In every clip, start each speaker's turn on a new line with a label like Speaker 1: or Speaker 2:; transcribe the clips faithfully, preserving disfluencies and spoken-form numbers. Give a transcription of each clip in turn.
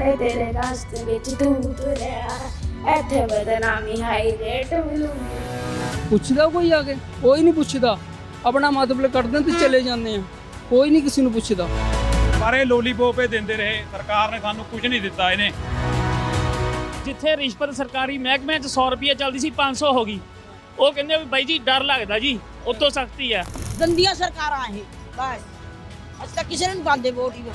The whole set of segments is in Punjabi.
Speaker 1: ਸਾਰੇ ਤੇਰੇ ਰਾਸਤੇ ਵਿੱਚ ਤੂੰ ਤੁਰਿਆ, ਇੱਥੇ ਬਦਨਾਮੀ ਹਾਈ ਰੇਟ ਮਿਲੂਗੀ।
Speaker 2: ਪੁੱਛਦਾ ਕੋਈ ਆ ਕੇ? ਕੋਈ ਨਹੀਂ ਪੁੱਛਦਾ, ਆਪਣਾ ਮਤਲਬ ਕੱਢਦੇ ਤੇ ਚਲੇ ਜਾਂਦੇ ਆ, ਕੋਈ ਨਹੀਂ ਕਿਸੇ ਨੂੰ ਪੁੱਛਦਾ।
Speaker 3: ਸਾਰੇ ਲੋਲੀਪੋਪ ਹੀ ਦਿੰਦੇ ਰਹੇ, ਸਰਕਾਰ ਨੇ ਸਾਨੂੰ ਕੁਝ ਨਹੀਂ ਦਿੱਤਾ। ਇਹਨੇ
Speaker 4: ਜਿੱਥੇ ਰਿਸ਼ਵਤ ਸਰਕਾਰੀ ਮਹਿਕਮੇ 'ਚ ਸੌ ਰੁਪਏ ਚੱਲਦੀ ਸੀ ਪੰਜ ਸੌ ਹੋ ਗਈ। ਉਹ ਕਹਿੰਦੇ ਵੀ ਬਾਈ ਜੀ ਡਰ ਲੱਗਦਾ ਜੀ, ਉਤੋਂ ਸਖਤੀ ਆ।
Speaker 5: ਗੰਦੀਆਂ ਸਰਕਾਰਾਂ ਇਹ ਬਸ, ਅਸੀਂ ਤਾਂ ਕਿਸੇ ਨੂੰ ਨਹੀਂ ਪਾਉਂਦੇ ਵੋਟ ਹੀ।